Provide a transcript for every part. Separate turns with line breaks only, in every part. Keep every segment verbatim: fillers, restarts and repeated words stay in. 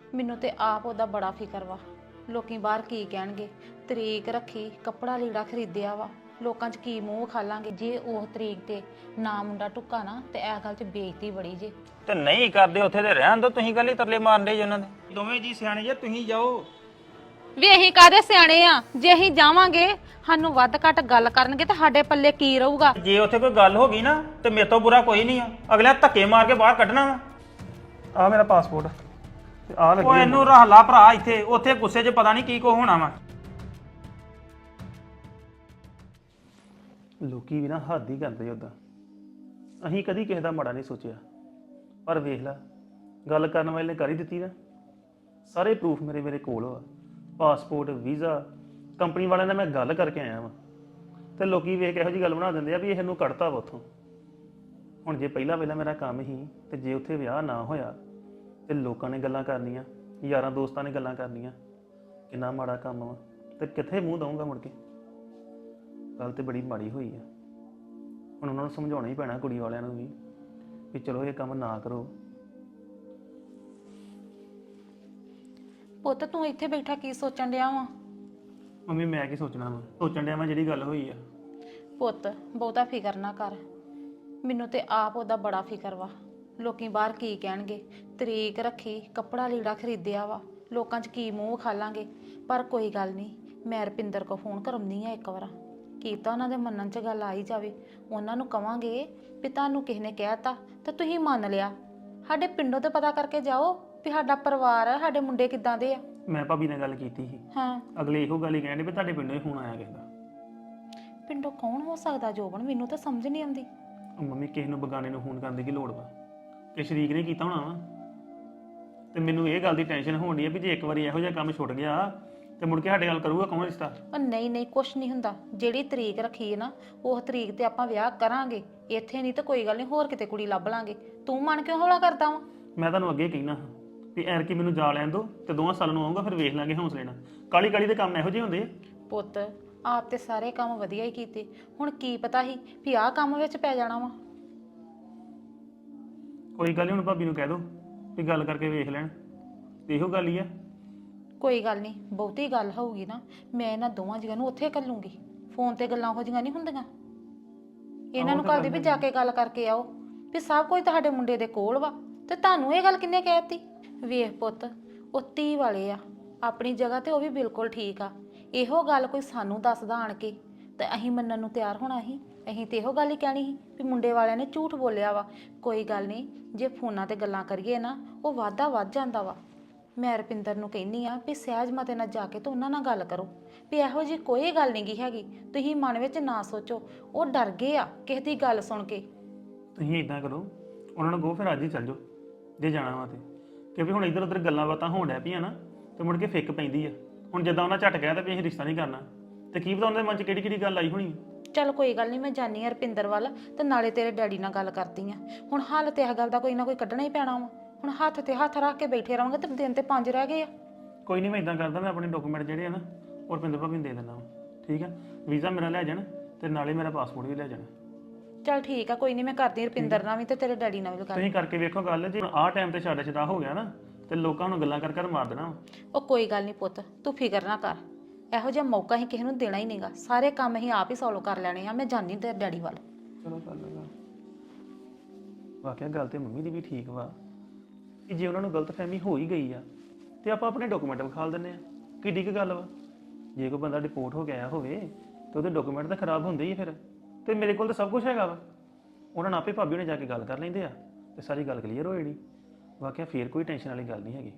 ਮੈਨੂੰ ਤੇ ਆਪ ਉਹਦਾ ਬੜਾ ਫਿਕਰ ਵਾ। ਲੋਕੀ ਬਾਹਰ ਕੀ ਕਹਿਣਗੇ। ਤਰੀਕ ਰੱਖੀ, ਕੱਪੜਾ ਲੀੜਾ ਖਰੀਦਿਆ ਵਾ, ਲੋਕਾਂ 'ਚ ਕੀ ਮੂੰਹ ਖਾਲਾਂਗੇ। ਜੇ ਉਹ ਤਰੀਕ ਤੇ ਨਾ ਮੁੰਡਾ ਟੁੱਕਾ ਨਾ ਤੇ ਇਹ ਗੱਲ 'ਚ ਬੇਇੱਜ਼ਤੀ ਬੜੀ ਜੇ।
ਤੇ ਨਹੀਂ ਕਰਦੇ ਉੱਥੇ ਤੇ ਰਹਿਣ ਦੋ, ਤੁਸੀਂ ਕੱਲ ਹੀ ਤਰਲੇ ਮਾਰਨ ਦੇ ਜੀ ਉਹਨਾਂ ਦੇ। ਦੋਵੇਂ ਜੀ ਸਿਆਣੇ ਜੇ, ਤੁਸੀਂ ਜਾਓ।
ਵੀ ਅਸੀਂ ਕਾਹਦੇ ਸਿਆਣੇ ਆ? ਜੇ ਅਸੀਂ ਜਾਵਾਂਗੇ ਸਾਨੂੰ ਵੱਧ ਘੱਟ ਗੱਲ ਕਰਨਗੇ ਤੇ ਸਾਡੇ ਪੱਲੇ ਕੀ ਰਹੂਗਾ?
ਜੇ ਉੱਥੇ ਕੋਈ ਗੱਲ ਹੋ ਗਈ ਨਾ ਤੇ ਮੇਰੇ ਤੋਂ ਬੁਰਾ ਕੋਈ ਨਹੀਂ ਆ। ਅਗਲੇ ਧੱਕੇ ਮਾਰ ਕੇ ਬਾਹਰ ਕੱਢਣਾ ਵਾ।
ਆ ਮੇਰਾ ਪਾਸਪੋਰਟ ਤੇ ਆ ਲੱਗੀ
ਉਹ ਇਹਨੂੰ ਰੱਖ ਲਾ ਭਰਾ ਇੱਥੇ, ਉੱਥੇ ਗੁੱਸੇ 'ਚ ਪਤਾ ਨਹੀਂ ਕੀ ਕੋ ਹੋਣਾ ਵਾ।
ਲੋਕੀ ਵੀ ਨਾ ਹੱਦ ਹੀ ਕਰਦੇ ਉਦਾਂ। ਅਸੀਂ ਕਦੀ ਕਿਸੇ ਦਾ ਮਾੜਾ ਨਹੀਂ ਸੋਚਿਆ, ਪਰ ਵੇਖ ਲੈ ਗੱਲ ਕਰਨ ਵਾਲੇ ਨੇ ਕਰ ਹੀ ਦਿੱਤੀ ਨਾ। ਸਾਰੇ ਪ੍ਰੂਫ ਮੇਰੇ ਮੇਰੇ ਕੋਲ ਆ, ਪਾਸਪੋਰਟ, ਵੀਜ਼ਾ। ਕੰਪਨੀ ਵਾਲਿਆਂ ਨਾਲ ਮੈਂ ਗੱਲ ਕਰਕੇ ਆਇਆ ਵਾਂ ਤੇ ਲੋਕੀ ਵੇਖ ਕੇ ਇਹੋ ਜਿਹੀ ਗੱਲ ਬਣਾ ਦਿੰਦੇ ਆ ਵੀ ਇਹਨੂੰ ਕੱਢਤਾ ਵਾ ਉੱਥੋਂ। ਹੁਣ ਜੇ ਪਹਿਲਾਂ ਪਹਿਲਾਂ ਮੇਰਾ ਕੰਮ ਹੀ ਤੇ ਜੇ ਉੱਥੇ ਵਿਆਹ ਨਾ ਹੋਇਆ ਤੇ ਲੋਕਾਂ ਨੇ ਗੱਲਾਂ ਕਰਨੀਆਂ, ਯਾਰਾਂ ਦੋਸਤਾਂ ਨੇ ਗੱਲਾਂ ਕਰਨੀਆਂ, ਕਿੰਨਾ ਮਾੜਾ ਕੰਮ ਵਾ ਤੇ ਕਿੱਥੇ ਮੂੰਹ ਦਊਂਗਾ ਮੁੜ ਕੇ। ਗੱਲ ਤੇ ਬੜੀ ਮਾੜੀ ਹੋਈ ਆ। ਹੁਣ ਉਹਨਾਂ ਨੂੰ ਸਮਝਾਉਣਾ ਹੀ ਪੈਣਾ ਕੁੜੀ ਵਾਲਿਆਂ ਨੂੰ ਵੀ ਵੀ ਚਲੋ ਇਹ ਕੰਮ ਨਾ ਕਰੋ।
ਪੁੱਤ ਤੂੰ ਇੱਥੇ ਬੈਠਾ ਕੀ ਸੋਚਣ ਡਿਆ ਵਾ?
ਮੰਮੀ ਮੈਂ ਕੀ ਸੋਚਣਾ ਵਾ, ਸੋਚਣ ਡਿਆ ਮੈਂ ਜਿਹੜੀ ਗੱਲ ਹੋਈ ਆ।
ਪੁੱਤ ਬਹੁਤਾ ਫਿਕਰ ਨਾ ਕਰ, ਮੈਨੂੰ ਤੇ ਆਪ ਉਹਦਾ ਬੜਾ ਫਿਕਰ ਵਾ। ਲੋਕੀ ਬਾਹਰ ਕੀ ਕਹਿਣਗੇ। ਤਰੀਕ ਰੱਖੀ, ਕੱਪੜਾ ਲੀੜਾ ਖਰੀਦਿਆ ਵਾ, ਲੋਕਾਂ 'ਚ ਕੀ ਮੂੰਹ ਖਾਲਾਂਗੇ। ਪਰ ਕੋਈ ਗੱਲ ਨਹੀਂ, ਮੈਂ ਰੁਪਿੰਦਰ ਕੋ ਫੋਨ ਕਰਮਨੀ ਆ ਇੱਕ ਵਾਰ, ਕੀਤਾ ਉਹਨਾਂ ਦੇ ਮੰਨਣ 'ਚ ਗੱਲ ਆ ਹੀ ਜਾਵੇ। ਉਹਨਾਂ ਨੂੰ ਕਵਾਂਗੇ ਵੀ ਤੁਹਾਨੂੰ ਕਿਸੇ ਨੇ ਕਹਿਤਾ ਤੇ ਤੁਸੀਂ ਮੰਨ ਲਿਆ। ਸਾਡੇ ਪਿੰਡੋਂ ਤੇ ਪਤਾ ਕਰਕੇ ਜਾਓ ਵੀ ਸਾਡਾ ਪਰਿਵਾਰ ਆ, ਸਾਡੇ ਮੁੰਡੇ ਕਿੱਦਾਂ ਦੇ ਆ।
ਮੈਂ ਭਾਬੀ ਨਾਲ ਗੱਲ ਕੀਤੀ ਸੀ,
ਹਾਂ
ਅਗਲੇ ਇਹੋ ਗੱਲ ਹੀ ਕਹਿੰਦੇ ਵੀ ਤੁਹਾਡੇ ਪਿੰਡੋਂ ਹੀ ਫੋਨ ਆਇਆ ਕਿਸੇ ਦਾ।
ਪਿੰਡੋਂ ਕੌਣ ਹੋ ਸਕਦਾ ਜੋਬਨ? ਮੈਨੂੰ ਤਾਂ ਸਮਝ ਨਹੀਂ ਆਉਂਦੀ।
ਉਹ ਮੰਮੀ ਕਿਸੇ ਨੂੰ ਬਗਾਨੇ ਨੂੰ ਫੋਨ ਕਰਨ ਦੀ ਕੀ ਲੋੜ ਵਾ? ਕਿ ਸ਼ਰੀਕ ਨੇ ਕੀਤਾ ਹੋਣਾ ਵਾ। ਤੇ ਮੈਨੂੰ ਇਹ ਗੱਲ ਦੀ ਟੈਨਸ਼ਨ ਹੋਣ ਡਈ ਆ ਵੀ ਜੇ ਇੱਕ ਵਾਰੀ ਇਹੋ ਜਿਹਾ ਕੰਮ ਛੁੱਟ ਗਿਆ ਤੇ ਮੁੜ ਕੇ ਸਾਡੇ ਗੱਲ ਕਰੂਗਾ ਕੌਣ ਰਿਸ਼ਤਾ?
ਪਰ ਨਹੀਂ ਨਹੀਂ ਕੁਛ ਨਹੀਂ ਹੁੰਦਾ। ਜਿਹੜੀ ਤਰੀਕ ਰੱਖੀ ਹੈ ਨਾ ਉਹ ਤਰੀਕ ਤੇ ਆਪਾਂ ਵਿਆਹ ਕਰਾਂਗੇ। ਇੱਥੇ ਨਹੀਂ ਤਾਂ ਕੋਈ ਗੱਲ ਨਹੀਂ, ਹੋਰ ਕਿਤੇ ਕੁੜੀ ਲੱਭ ਲਾਂਗੇ। ਤੂੰ ਮਨ ਕਿਉਂ ਹੌਲਾ ਕਰਦਾ ਵਾ?
ਮੈਂ ਤੁਹਾਨੂੰ ਅੱਗੇ ਕਹਿਣਾ ਵੀ ਐਰ ਕੀ ਮੈਨੂੰ ਜਾ ਲੈਣ ਦੋ ਤੇ ਦੋਵਾਂ ਸਾਲਾਂ ਨੂੰ ਆਊਗਾ, ਫਿਰ ਵੇਖ ਲਾਂਗੇ ਹੌਸਲੇ ਨਾਲ। ਕਾਲੀ ਕਾਲੀ ਦੇ ਕੰਮ ਇਹੋ ਜਿਹੇ ਹੁੰਦੇ ਆ।
ਪੁੱਤ ਆਪ ਤੇ ਸਾਰੇ ਕੰਮ ਵਧੀਆ ਹੀ ਕੀਤੇ, ਹੁਣ ਕੀ ਪਤਾ ਸੀ ਵੀ ਆਹ ਕੰਮ ਵਿੱਚ ਪੈ ਜਾਣਾ ਵਾ।
ਕੋਈ ਗੱਲ ਨਹੀਂ, ਹੁਣ ਭਾਬੀ ਨੂੰ ਕਹਿ ਦੋ ਵੀ ਗੱਲ ਕਰਕੇ ਵੇਖ ਲੈਣ। ਤੇ ਇਹੋ ਗੱਲ ਹੀ ਆ।
ਕੋਈ ਗੱਲ ਨਹੀਂ, ਬਹੁਤੀ ਗੱਲ ਹੋਊਗੀ ਨਾ ਮੈਂ ਇਹਨਾਂ ਦੋਵਾਂ ਜੀਆਂ ਨੂੰ ਉੱਥੇ ਘੱਲੂੰਗੀ। ਫੋਨ ਤੇ ਗੱਲਾਂ ਹੋ ਜੀਆਂ ਨਹੀਂ ਹੁੰਦੀਆਂ। ਇਹਨਾਂ ਨੂੰ ਕਹਦੇ ਵੀ ਜਾ ਕੇ ਗੱਲ ਕਰਕੇ ਆਓ ਵੀ ਸਭ ਕੁਝ ਤੁਹਾਡੇ ਮੁੰਡੇ ਦੇ ਕੋਲ ਵਾ। ਤੇ ਤੁਹਾਨੂੰ ਇਹ ਗੱਲ ਕਿੰਨੇ ਕਹਿ ਦਿੱਤੀ? ਵੇਖ ਪੁੱਤ, ਉਹ ਧੀ ਵਾਲੇ ਆ, ਆਪਣੀ ਜਗ੍ਹਾ ਤੇ ਉਹ ਵੀ ਬਿਲਕੁਲ ਠੀਕ ਆ। ਇਹੋ ਗੱਲ ਕੋਈ ਸਾਨੂੰ ਦੱਸਦਾ ਆਣ ਕੇ ਤੇ ਅਸੀਂ ਮੰਨਣ ਨੂੰ ਤਿਆਰ ਹੋਣਾ ਸੀ। ਅਸੀਂ ਤੇ ਇਹੋ ਗੱਲ ਹੀ ਕਹਿਣੀ ਸੀ ਵੀ ਮੁੰਡੇ ਵਾਲਿਆਂ ਨੇ ਝੂਠ ਬੋਲਿਆ ਵਾ। ਕੋਈ ਗੱਲ ਨਹੀਂ, ਜੇ ਫੋਨਾਂ ਤੇ ਗੱਲਾਂ ਕਰੀਏ ਨਾ ਉਹ ਵਾਧਾ ਵੱਧ ਜਾਂਦਾ ਵਾ। ਮੈਂ ਰੁਪਿੰਦਰ ਨੂੰ ਕਹਿੰਦੀ ਆ ਵੀ ਸਹਿਜ ਮਤੇ ਨਾਲ ਜਾ ਕੇ ਤੇ ਉਹਨਾਂ ਨਾਲ ਗੱਲ ਕਰੋ ਵੀ ਇਹੋ ਜਿਹੀ ਕੋਈ ਗੱਲ ਨਹੀਂ ਗੀ ਹੈਗੀ। ਤੁਸੀਂ ਮਨ ਵਿੱਚ ਨਾ ਸੋਚੋ, ਉਹ ਡਰ ਗਏ ਆ ਕਿਸੇ ਦੀ ਗੱਲ ਸੁਣ ਕੇ।
ਤੁਸੀਂ ਇਦਾਂ ਕਰੋ, ਉਹਨਾਂ ਨੂੰ ਕਹੋ ਫਿਰ ਅੱਜ ਹੀ ਚੱਲ ਜਾਓ ਜੇ ਜਾਣਾ ਵਾ ਤੇ। ਕਿਉਂਕਿ ਹੁਣ ਇੱਧਰ ਉੱਧਰ ਗੱਲਾਂ ਬਾਤਾਂ ਹੋਣ ਡੈ ਪਈਆਂ ਨਾ ਤੇ ਮੁੜ ਕੇ ਫਿੱਕ ਪੈਂਦੀ ਆ। ਹੁਣ ਜਿੱਦਾਂ ਉਹਨਾਂ ਝਟ ਗਿਆ ਤਾਂ ਵੀ ਅਸੀਂ ਰਿਸ਼ਤਾ ਨਹੀਂ ਕਰਨਾ, ਤੇ ਕੀ ਪਤਾ ਉਹਨਾਂ ਦੇ ਮਨ 'ਚ ਕਿਹੜੀ ਕਿਹੜੀ ਗੱਲ ਆਈ ਹੋਣੀ।
ਚੱਲ ਕੋਈ ਗੱਲ ਨਹੀਂ, ਮੈਂ ਜਾਨੀ ਆ ਰੁਪਿੰਦਰ ਵੱਲ ਤੇ ਨਾਲੇ ਤੇਰੇ ਡੈਡੀ ਨਾਲ ਗੱਲ ਕਰਦੀ ਆ। ਹੁਣ ਹੱਲ ਤੇ ਇਹ ਗੱਲ ਦਾ ਕੋਈ ਨਾ ਕੋਈ ਕੱਢਣਾ ਹੀ ਪੈਣਾ ਵਾ। ਹੁਣ ਹੱਥ ਤੇ ਹੱਥ ਰੱਖ ਕੇ ਬੈਠੇ ਰਹਾਂਗੇ ਤੇ ਦਿਨ ਤੇ ਪੰਜ ਰਹਿ ਗਏ ਆ।
ਕੋਈ ਨਹੀਂ, ਮੈਂ ਇਦਾਂ ਕਰਦਾ, ਮੈਂ ਆਪਣੇ ਡਾਕੂਮੈਂਟ ਜਿਹੜੇ ਆ ਨਾ ਉਹ ਰੁਪਿੰਦਰ ਭਾਬੀ ਨੂੰ ਦੇ ਦਿੰਦਾ ਵਾ। ਠੀਕ ਆ, ਵੀਜ਼ਾ ਮੇਰਾ ਲੈ ਜਾਣ ਤੇ ਨਾਲੇ ਮੇਰਾ ਪਾਸਪੋਰਟ ਵੀ ਲੈ ਜਾਣਾ।
ਚੱਲ ਠੀਕ ਆ, ਕੋਈ ਨਹੀਂ, ਮੈਂ ਕਰਦੀ ਰੁਪਿੰਦਰ ਨਾਲ ਵੀ ਤੇ ਤੇਰੇ ਡੈਡੀ ਨਾਲ ਵੀ ਗੱਲ।
ਤੁਸੀਂ ਕਰਕੇ ਵੇਖੋ ਗੱਲ, ਜੇ ਆਹ ਟਾਈਮ ਤੇ ਛਾੜਾ ਛਡਾ ਹੋ ਗਿਆ ਨਾ ਤੇ ਲੋਕਾਂ ਨੂੰ ਗੱਲਾਂ ਕਰ ਕਰ ਮਾਰ ਦੇਣਾ।
ਉਹ ਕੋਈ ਗੱਲ ਨਹੀਂ ਪੁੱਤ, ਤੂੰ ਫਿਕਰ ਨਾ ਕਰ। ਇਹੋ ਜਿਹਾ ਮੌਕਾ ਹੀ ਕਿਸੇ ਨੂੰ ਦੇਣਾ ਹੀ ਨਹੀਂਗਾ। ਸਾਰੇ ਕੰਮ ਅਸੀਂ ਆਪ ਹੀ ਸੋਲਵ ਕਰ ਲੈਣੇ ਆ। ਮੈਂ ਜਾਂਦੀ ਤੇਰੇ ਡੈਡੀ ਵੱਲ।
ਚਲੋ ਕਰ ਲਗਾ। ਵਾਕਿਆ ਗੱਲ ਤੇ ਮੰਮੀ ਦੀ ਵੀ ਠੀਕ ਵਾ ਕਿ ਜੇ ਉਹਨਾਂ ਨੂੰ ਗਲਤਫਹਿਮੀ ਹੋ ਹੀ ਗਈ ਆ ਤੇ ਆਪਾਂ ਆਪਣੇ ਡਾਕੂਮੈਂਟ ਵਿਖਾਲ ਦਿੰਦੇ ਆ। ਕਿੱਡੀ ਕੁ ਗੱਲ ਵਾ? ਜੇ ਕੋਈ ਬੰਦਾ ਰਿਪੋਰਟ ਹੋ ਗਿਆ ਹੋਵੇ ਤੇ ਉਹਦੇ ਡਾਕੂਮੈਂਟ ਤਾਂ ਖਰਾਬ ਹੁੰਦੇ ਹੀ ਫਿਰ। ਤੇ ਮੇਰੇ ਕੋਲ ਤਾਂ ਸਭ ਕੁਝ ਹੈਗਾ ਵਾ। ਉਹਨਾਂ ਨਾਲ ਆਪੇ ਭਾਬੀ ਨੇ ਜਾ ਕੇ ਗੱਲ ਕਰ ਲੈਂਦੇ ਆ ਤੇ ਸਾਰੀ ਗੱਲ ਕਲੀਅਰ ਹੋ ਜਾਣੀ। ਵਾਕਿਆ ਫੇਰ ਕੋਈ ਟੈਨਸ਼ਨ ਵਾਲੀ ਗੱਲ ਨਹੀਂ ਹੈਗੀ।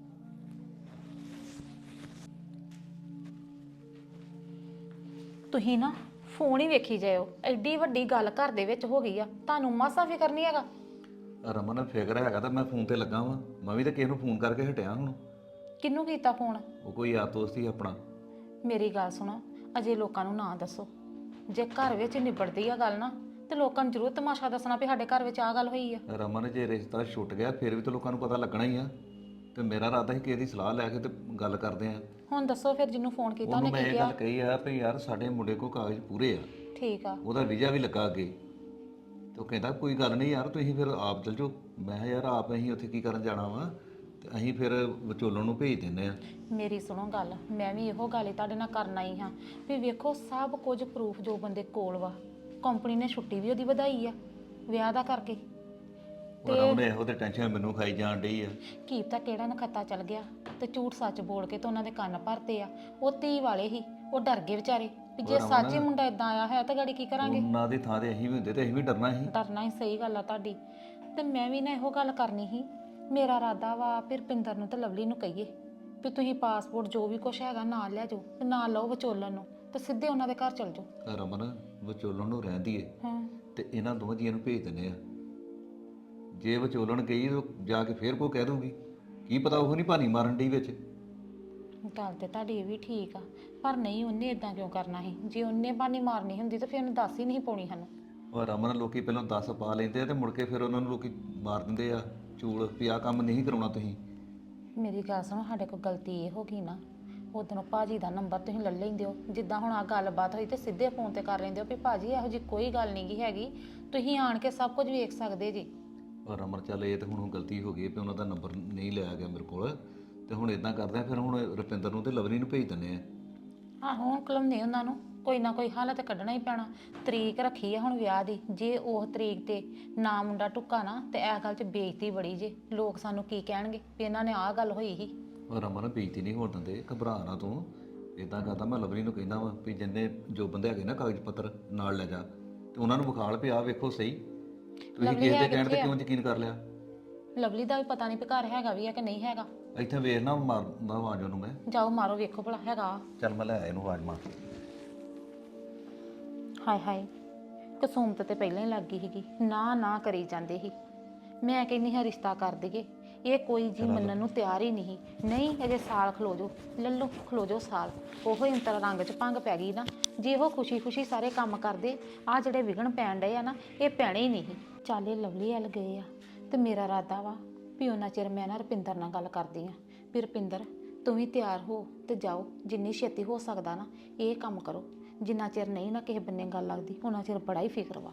ਤੁਸੀਂ ਨਾ ਫੋਨ ਹੀ ਵੇਖੀ ਜਾਇਓ। ਐਡੀ ਵੱਡੀ ਗੱਲ ਘਰ ਦੇ ਵਿੱਚ ਹੋ ਗਈ ਆ, ਤੁਹਾਨੂੰ ਮਾਸਾ ਫਿਕਰ ਨਹੀਂ ਹੈਗਾ?
ਰਮਨ ਫਿਕਰ ਹੈਗਾ ਤਾਂ ਮੈਂ ਫੋਨ ਤੇ ਲੱਗਾ ਵਾਂ। ਮੈਂ ਵੀ ਤਾਂ ਕਿਸੇ ਨੂੰ ਫੋਨ ਕਰਕੇ ਹਟਿਆ ਹੁਣ।
ਕਿਹਨੂੰ ਕੀਤਾ ਫੋਨ?
ਉਹ ਕੋਈ ਯਾਰ ਦੋਸਤ ਹੀ ਆਪਣਾ।
ਮੇਰੀ ਗੱਲ ਸੁਣੋ, ਅਜੇ ਲੋਕਾਂ ਨੂੰ ਨਾ ਦੱਸੋ। ਜੇ ਘਰ ਵਿੱਚ ਨਿਬੜਦੀ ਆ ਗੱਲ ਨਾ ਤੇ ਲੋਕਾਂ ਨੂੰ ਜ਼ਰੂਰ ਤਮਾਸ਼ਾ ਦੱਸਣਾ ਵੀ ਸਾਡੇ ਘਰ ਵਿੱਚ ਆ ਗੱਲ ਹੋਈ ਆ।
ਰਮਨ ਜੇ ਰਿਸ਼ਤਾ ਛੁੱਟ ਗਿਆ ਫਿਰ ਵੀ ਤਾਂ ਲੋਕਾਂ ਨੂੰ ਪਤਾ ਲੱਗਣਾ ਹੀ ਆ। ਤੇ ਮੇਰਾ ਇਰਾਦਾ ਸੀ ਕਿ ਇਹਦੀ ਸਲਾਹ ਲੈ ਕੇ ਤੇ ਗੱਲ ਕਰਦੇ ਆ।
ਹੁਣ ਦੱਸੋ ਫਿਰ, ਜਿਹਨੂੰ ਫੋਨ ਕੀਤਾ
ਉਹਨੂੰ
ਉਹਨੇ
ਮੈਂ
ਕੀ
ਇਹ
ਕਿਹਾ?
ਗੱਲ ਕਹੀ ਆ ਵੀ ਯਾਰ ਸਾਡੇ ਮੁੰਡੇ ਕੋਲ ਕਾਗਜ਼ ਪੂਰੇ ਆ,
ਠੀਕ ਆ।
ਉਹਦਾ ਵੀਜ਼ਾ ਵੀ ਲੱਗਾ ਅੱਗੇ। ਤੇ ਉਹ ਕਹਿੰਦਾ ਕੋਈ ਗੱਲ ਨਹੀਂ ਯਾਰ, ਤੁਸੀਂ ਫਿਰ ਆਪ ਚਲ ਜਾਓ। ਮੈਂ ਕਿਹਾ ਯਾਰ ਆਪ ਅਸੀਂ ਉੱਥੇ ਕੀ ਕਰਨ ਜਾਣਾ ਵਾ, ਤੇ ਅਸੀਂ ਫਿਰ ਵਿਚੋਲਣ ਨੂੰ ਭੇਜ ਦਿੰਦੇ ਆ।
ਮੇਰੀ ਸੁਣੋ ਗੱਲ, ਮੈਂ ਵੀ ਇਹੋ ਗੱਲ ਹੀ ਤੁਹਾਡੇ ਨਾਲ ਕਰਨ ਆਈ ਹਾਂ ਵੀ ਵੇਖੋ ਸਭ ਕੁਝ ਪ੍ਰੂਫ ਜੋ ਬੰਦੇ ਕੋਲ ਵਾ। ਕੰਪਨੀ ਨੇ ਛੁੱਟੀ ਵੀ ਉਹਦੀ ਵਧਾਈ ਆ ਵਿਆਹ ਦਾ ਕਰਕੇ।
ਪਰ ਉਹਨੇ ਇਹੋ ਤੇ ਟੈਨਸ਼ਨ ਮੈਨੂੰ ਖਾਈ ਜਾਣ ਡਈ ਆ।
ਕੀ ਪਤਾ ਕਿਹੜਾ ਨਖੱਤਾ ਚੱਲ ਗਿਆ ਤੇ ਝੂਠ ਸੱਚ ਬੋਲ ਕੇ ਤੇ ਉਹਨਾਂ ਦੇ ਕੰਨ ਭਰਤੇ ਆ। ਉਹ ਧੀ ਵਾਲੇ ਹੀ ਉਹ ਡਰ ਗਏ ਵਿਚਾਰੇ ਵੀ ਜੇ ਸੱਚ ਹੀ ਮੁੰਡਾ ਇਦਾਂ ਆਇਆ ਹੈ ਤਾਂ ਗਾੜੀ ਕੀ ਕਰਾਂਗੇ।
ਉਹਨਾਂ ਦੀ ਥਾਂ ਤੇ ਅਸੀਂ ਵੀ ਹੁੰਦੇ ਤੇ ਅਸੀਂ ਵੀ ਡਰਨਾ ਸੀ।
ਡਰਨਾ ਹੀ ਸਹੀ ਗੱਲ ਆ ਤੁਹਾਡੀ। ਤੇ ਮੈਂ ਵੀ ਨਾ ਇਹੋ ਗੱਲ ਕਰਨੀ ਸੀ। ਮੇਰਾ ਇਰਾਦਾ ਵਾ ਫਿਰ ਰੁਪਿੰਦਰ ਨੂੰ ਤੇ ਲਵਲੀ ਨੂੰ ਕਹੀਏ ਵੀ ਤੁਸੀਂ ਪਾਸਪੋਰਟ ਜੋ ਵੀ ਕੁਛ ਹੈਗਾ ਨਾਲ ਲੈ ਜਾਓ ਤੇ ਨਾਲ ਲਓ ਵਿਚੋਲਨ ਨੂੰ ਤੇ ਸਿੱਧੇ ਉਹਨਾਂ ਦੇ ਘਰ ਚਲ ਜਾਓ।
ਰਮਨ ਵਿਚੋਲਣ ਨੂੰ ਰਹਿੰਦੀ ਏ
ਹਾਂ
ਤੇ ਇਹਨਾਂ ਦੋਵਾਂ ਜੀਆਂ ਨੂੰ ਭੇਜ ਦਿੰਦੇ ਆ। ਜੇ ਵਿਚੋਲਣ ਗਈ ਤਾਂ ਜਾ ਕੇ ਫੇਰ ਕੋ ਕਹਿ ਦੂਗੀ, ਕੀ ਪਤਾ ਉਹ ਨਹੀਂ ਭਾਨੀ ਮਾਰਨ ਡਈ ਵਿੱਚ।
ਗੱਲ ਤੇ ਤੁਹਾਡੀ ਇਹ ਵੀ ਠੀਕ ਆ ਪਰ ਨਹੀਂ ਉਹਨੇ ਇਦਾਂ ਕਿਉਂ ਕਰਨਾ ਸੀ। ਜੇ ਉਹਨੇ ਬਾਨੀ ਮਾਰਨੀ ਹੁੰਦੀ ਤਾਂ ਫਿਰ ਉਹਨੇ ਦੱਸ ਹੀ ਨਹੀਂ ਪਾਉਣੀ ਸਾਨੂੰ।
ਉਹ ਰਮਨ ਲੋਕੀ ਪਹਿਲਾਂ ਦਸ ਪਾ ਲੈਂਦੇ ਆ ਤੇ ਮੁੜ ਕੇ ਫਿਰ ਉਹਨਾਂ ਨੂੰ ਲੋਕੀ ਮਾਰ ਦਿੰਦੇ ਆ ਚੂਲ ਵੀ ਆਹ ਕੰਮ ਨਹੀਂ ਕਰਾਉਣਾ ਤੁਸੀਂ।
ਮੇਰੀ ਗੱਲ ਸੁਣੋ, ਸਾਡੇ ਕੋਲ ਗਲਤੀ ਇਹ ਹੋ ਗਈ ਨਾ ਉਦੋਂ ਭਾਜੀ ਦਾ ਨੰਬਰ ਤੁਸੀਂ ਲੈ ਲੈਂਦੇ ਹੋ। ਜਿੱਦਾਂ ਹੁਣ ਆ ਗੱਲਬਾਤ ਹੋਈ ਤੇ ਸਿੱਧੇ ਫੋਨ ਤੇ ਕਰ ਲੈਂਦੇ ਹੋ ਵੀ ਭਾਜੀ ਇਹੋ ਜਿਹੀ ਕੋਈ ਗੱਲ ਨਹੀਂ ਗੀ ਹੈਗੀ, ਤੁਸੀਂ ਆਣ ਕੇ ਸਭ ਕੁਝ ਵੇਖ ਸਕਦੇ ਜੀ।
ਪਰ ਰਮਨ ਚੱਲ ਇਹ ਤਾਂ ਹੁਣ ਗਲਤੀ ਹੋ ਗਈ ਵੀ ਉਹਨਾਂ ਦਾ ਨੰਬਰ ਨਹੀਂ ਲਿਆ ਗਿਆ ਮੇਰੇ ਕੋਲ। ਤੇ ਹੁਣ ਇਦਾਂ ਕਰਦੇ ਆ ਫਿਰ ਹੁਣ ਰੁਪਿੰਦਰ ਨੂੰ ਤੇ ਲਵਲੀ ਨੂੰ ਭੇਜ ਦਿੰਦੇ ਆ।
ਆਹੋ ਹੁਣ ਕਲਮਨੇ ਉਹਨਾਂ ਨੂੰ ਕੋਈ ਨਾ ਕੋਈ ਹੱਲ ਤੇ ਕੱਢਣਾ ਹੀ ਪੈਣਾ। ਤਰੀਕ ਰੱਖੀ ਆ ਹੁਣ ਵਿਆਹ ਦੀ, ਜੇ ਉਹ ਤਰੀਕ ਤੇ ਨਾ ਮੁੰਡਾ ਟੁੱਕਾ ਨਾ ਤੇ ਇਹ ਗੱਲ 'ਚ ਬੇਇੱਜ਼ਤੀ ਬੜੀ ਜੇ। ਲੋਕ ਸਾਨੂੰ ਕੀ ਕਹਿਣਗੇ ਵੀ ਇਹਨਾਂ ਨੇ ਆਹ ਗੱਲ ਹੋਈ ਸੀ।
ਉਹ ਰਮਨ ਬੇਇੱਜ਼ਤੀ ਨਹੀਂ ਹੋਣ ਦਿੰਦੇ, ਘਬਰਾ ਨਾ ਤੂੰ। ਇਦਾਂ ਕਰਦਾ ਮੈਂ ਲਵਲੀ ਨੂੰ ਕਹਿੰਦਾ ਵਾ ਵੀ ਜਿੰਨੇ ਜੋ ਬੰਦੇ ਹੈਗੇ ਨਾ ਕਾਗਜ਼ ਪੱਤਰ ਨਾਲ ਲੈ ਜਾ ਤੇ ਉਹਨਾਂ ਨੂੰ ਵਿਖਾਲ ਪਿਆ ਵੇਖੋ ਸਹੀ। ਤੁਸੀਂ ਕਿਸੇ ਦੇ ਕਹਿਣ ਤੇ ਕਿਉਂ ਯਕੀਨ ਕਰ ਲਿਆ?
ਲਵਲੀ ਦਾ ਵੀ ਪਤਾ ਨਹੀਂ ਵੀ ਘਰ ਹੈਗਾ ਵੀ ਆ ਕਿ ਨਹੀਂ ਹੈਗਾ।
ਇੱਥੇ ਵੇਖ ਨਾ ਮਾਰਦਾ ਆਵਾਜ਼ ਉਹਨੂੰ ਮੈਂ।
ਜਾਓ ਮਾਰੋ ਵੇਖੋ ਭਲਾ ਹੈਗਾ।
ਚੱਲ ਮੈਂ ਲੈ ਆਇਆ ਇਹਨੂੰ ਆਵਾਜ਼ ਮਾਰ ਕੇ।
ਹਾਏ ਹਾਏ ਕਸੂਮਤ ਤੇ ਪਹਿਲਾਂ ਹੀ ਲੱਗ ਗਈ ਸੀਗੀ। ਨਾ ਨਾ ਕਰੀ ਜਾਂਦੇ ਸੀ। ਮੈਂ ਕਹਿੰਦੀ ਹਾਂ ਰਿਸ਼ਤਾ ਕਰ ਦਈਏ, ਇਹ ਕੋਈ ਜੀ ਮੰਨਣ ਨੂੰ ਤਿਆਰ ਹੀ ਨਹੀਂ। ਨਹੀਂ ਅਜੇ ਸਾਲ ਖਲੋ ਜਾਓ, ਲੱਲੋ ਖਲੋ ਜਾਓ ਸਾਲ। ਉਹੋ ਹੀ ਅੰਤਰ ਰੰਗ 'ਚ ਭੰਗ ਪੈ ਗਈ ਨਾ। ਜੇ ਉਹ ਖੁਸ਼ੀ ਖੁਸ਼ੀ ਸਾਰੇ ਕੰਮ ਕਰਦੇ, ਆਹ ਜਿਹੜੇ ਵਿਗਣ ਪੈਣ ਡਏ ਆ ਨਾ ਇਹ ਪੈਣੇ ਹੀ ਨਹੀਂ। ਚੱਲ ਇਹ ਲਵਲੀ ਵੱਲ ਗਏ ਆ ਤੇ ਮੇਰਾ ਇਰਾਦਾ ਵਾ ਵੀ ਉਹਨਾਂ ਚਿਰ ਮੈਂ ਨਾ ਰੁਪਿੰਦਰ ਨਾਲ ਗੱਲ ਕਰਦੀ ਆ ਵੀ ਰੁਪਿੰਦਰ ਤੂੰ ਵੀ ਤਿਆਰ ਹੋ ਤੇ ਜਾਓ। ਜਿੰਨੀ ਛੇਤੀ ਹੋ ਸਕਦਾ ਨਾ ਇਹ ਕੰਮ ਕਰੋ। ਜਿੰਨਾ ਚਿਰ ਨਹੀਂ ਨਾ ਕਿਸੇ ਬੰਨੇ ਗੱਲ ਲੱਗਦੀ ਉਹਨਾਂ ਚਿਰ ਬੜਾ ਹੀ ਫਿਕਰ ਵਾ।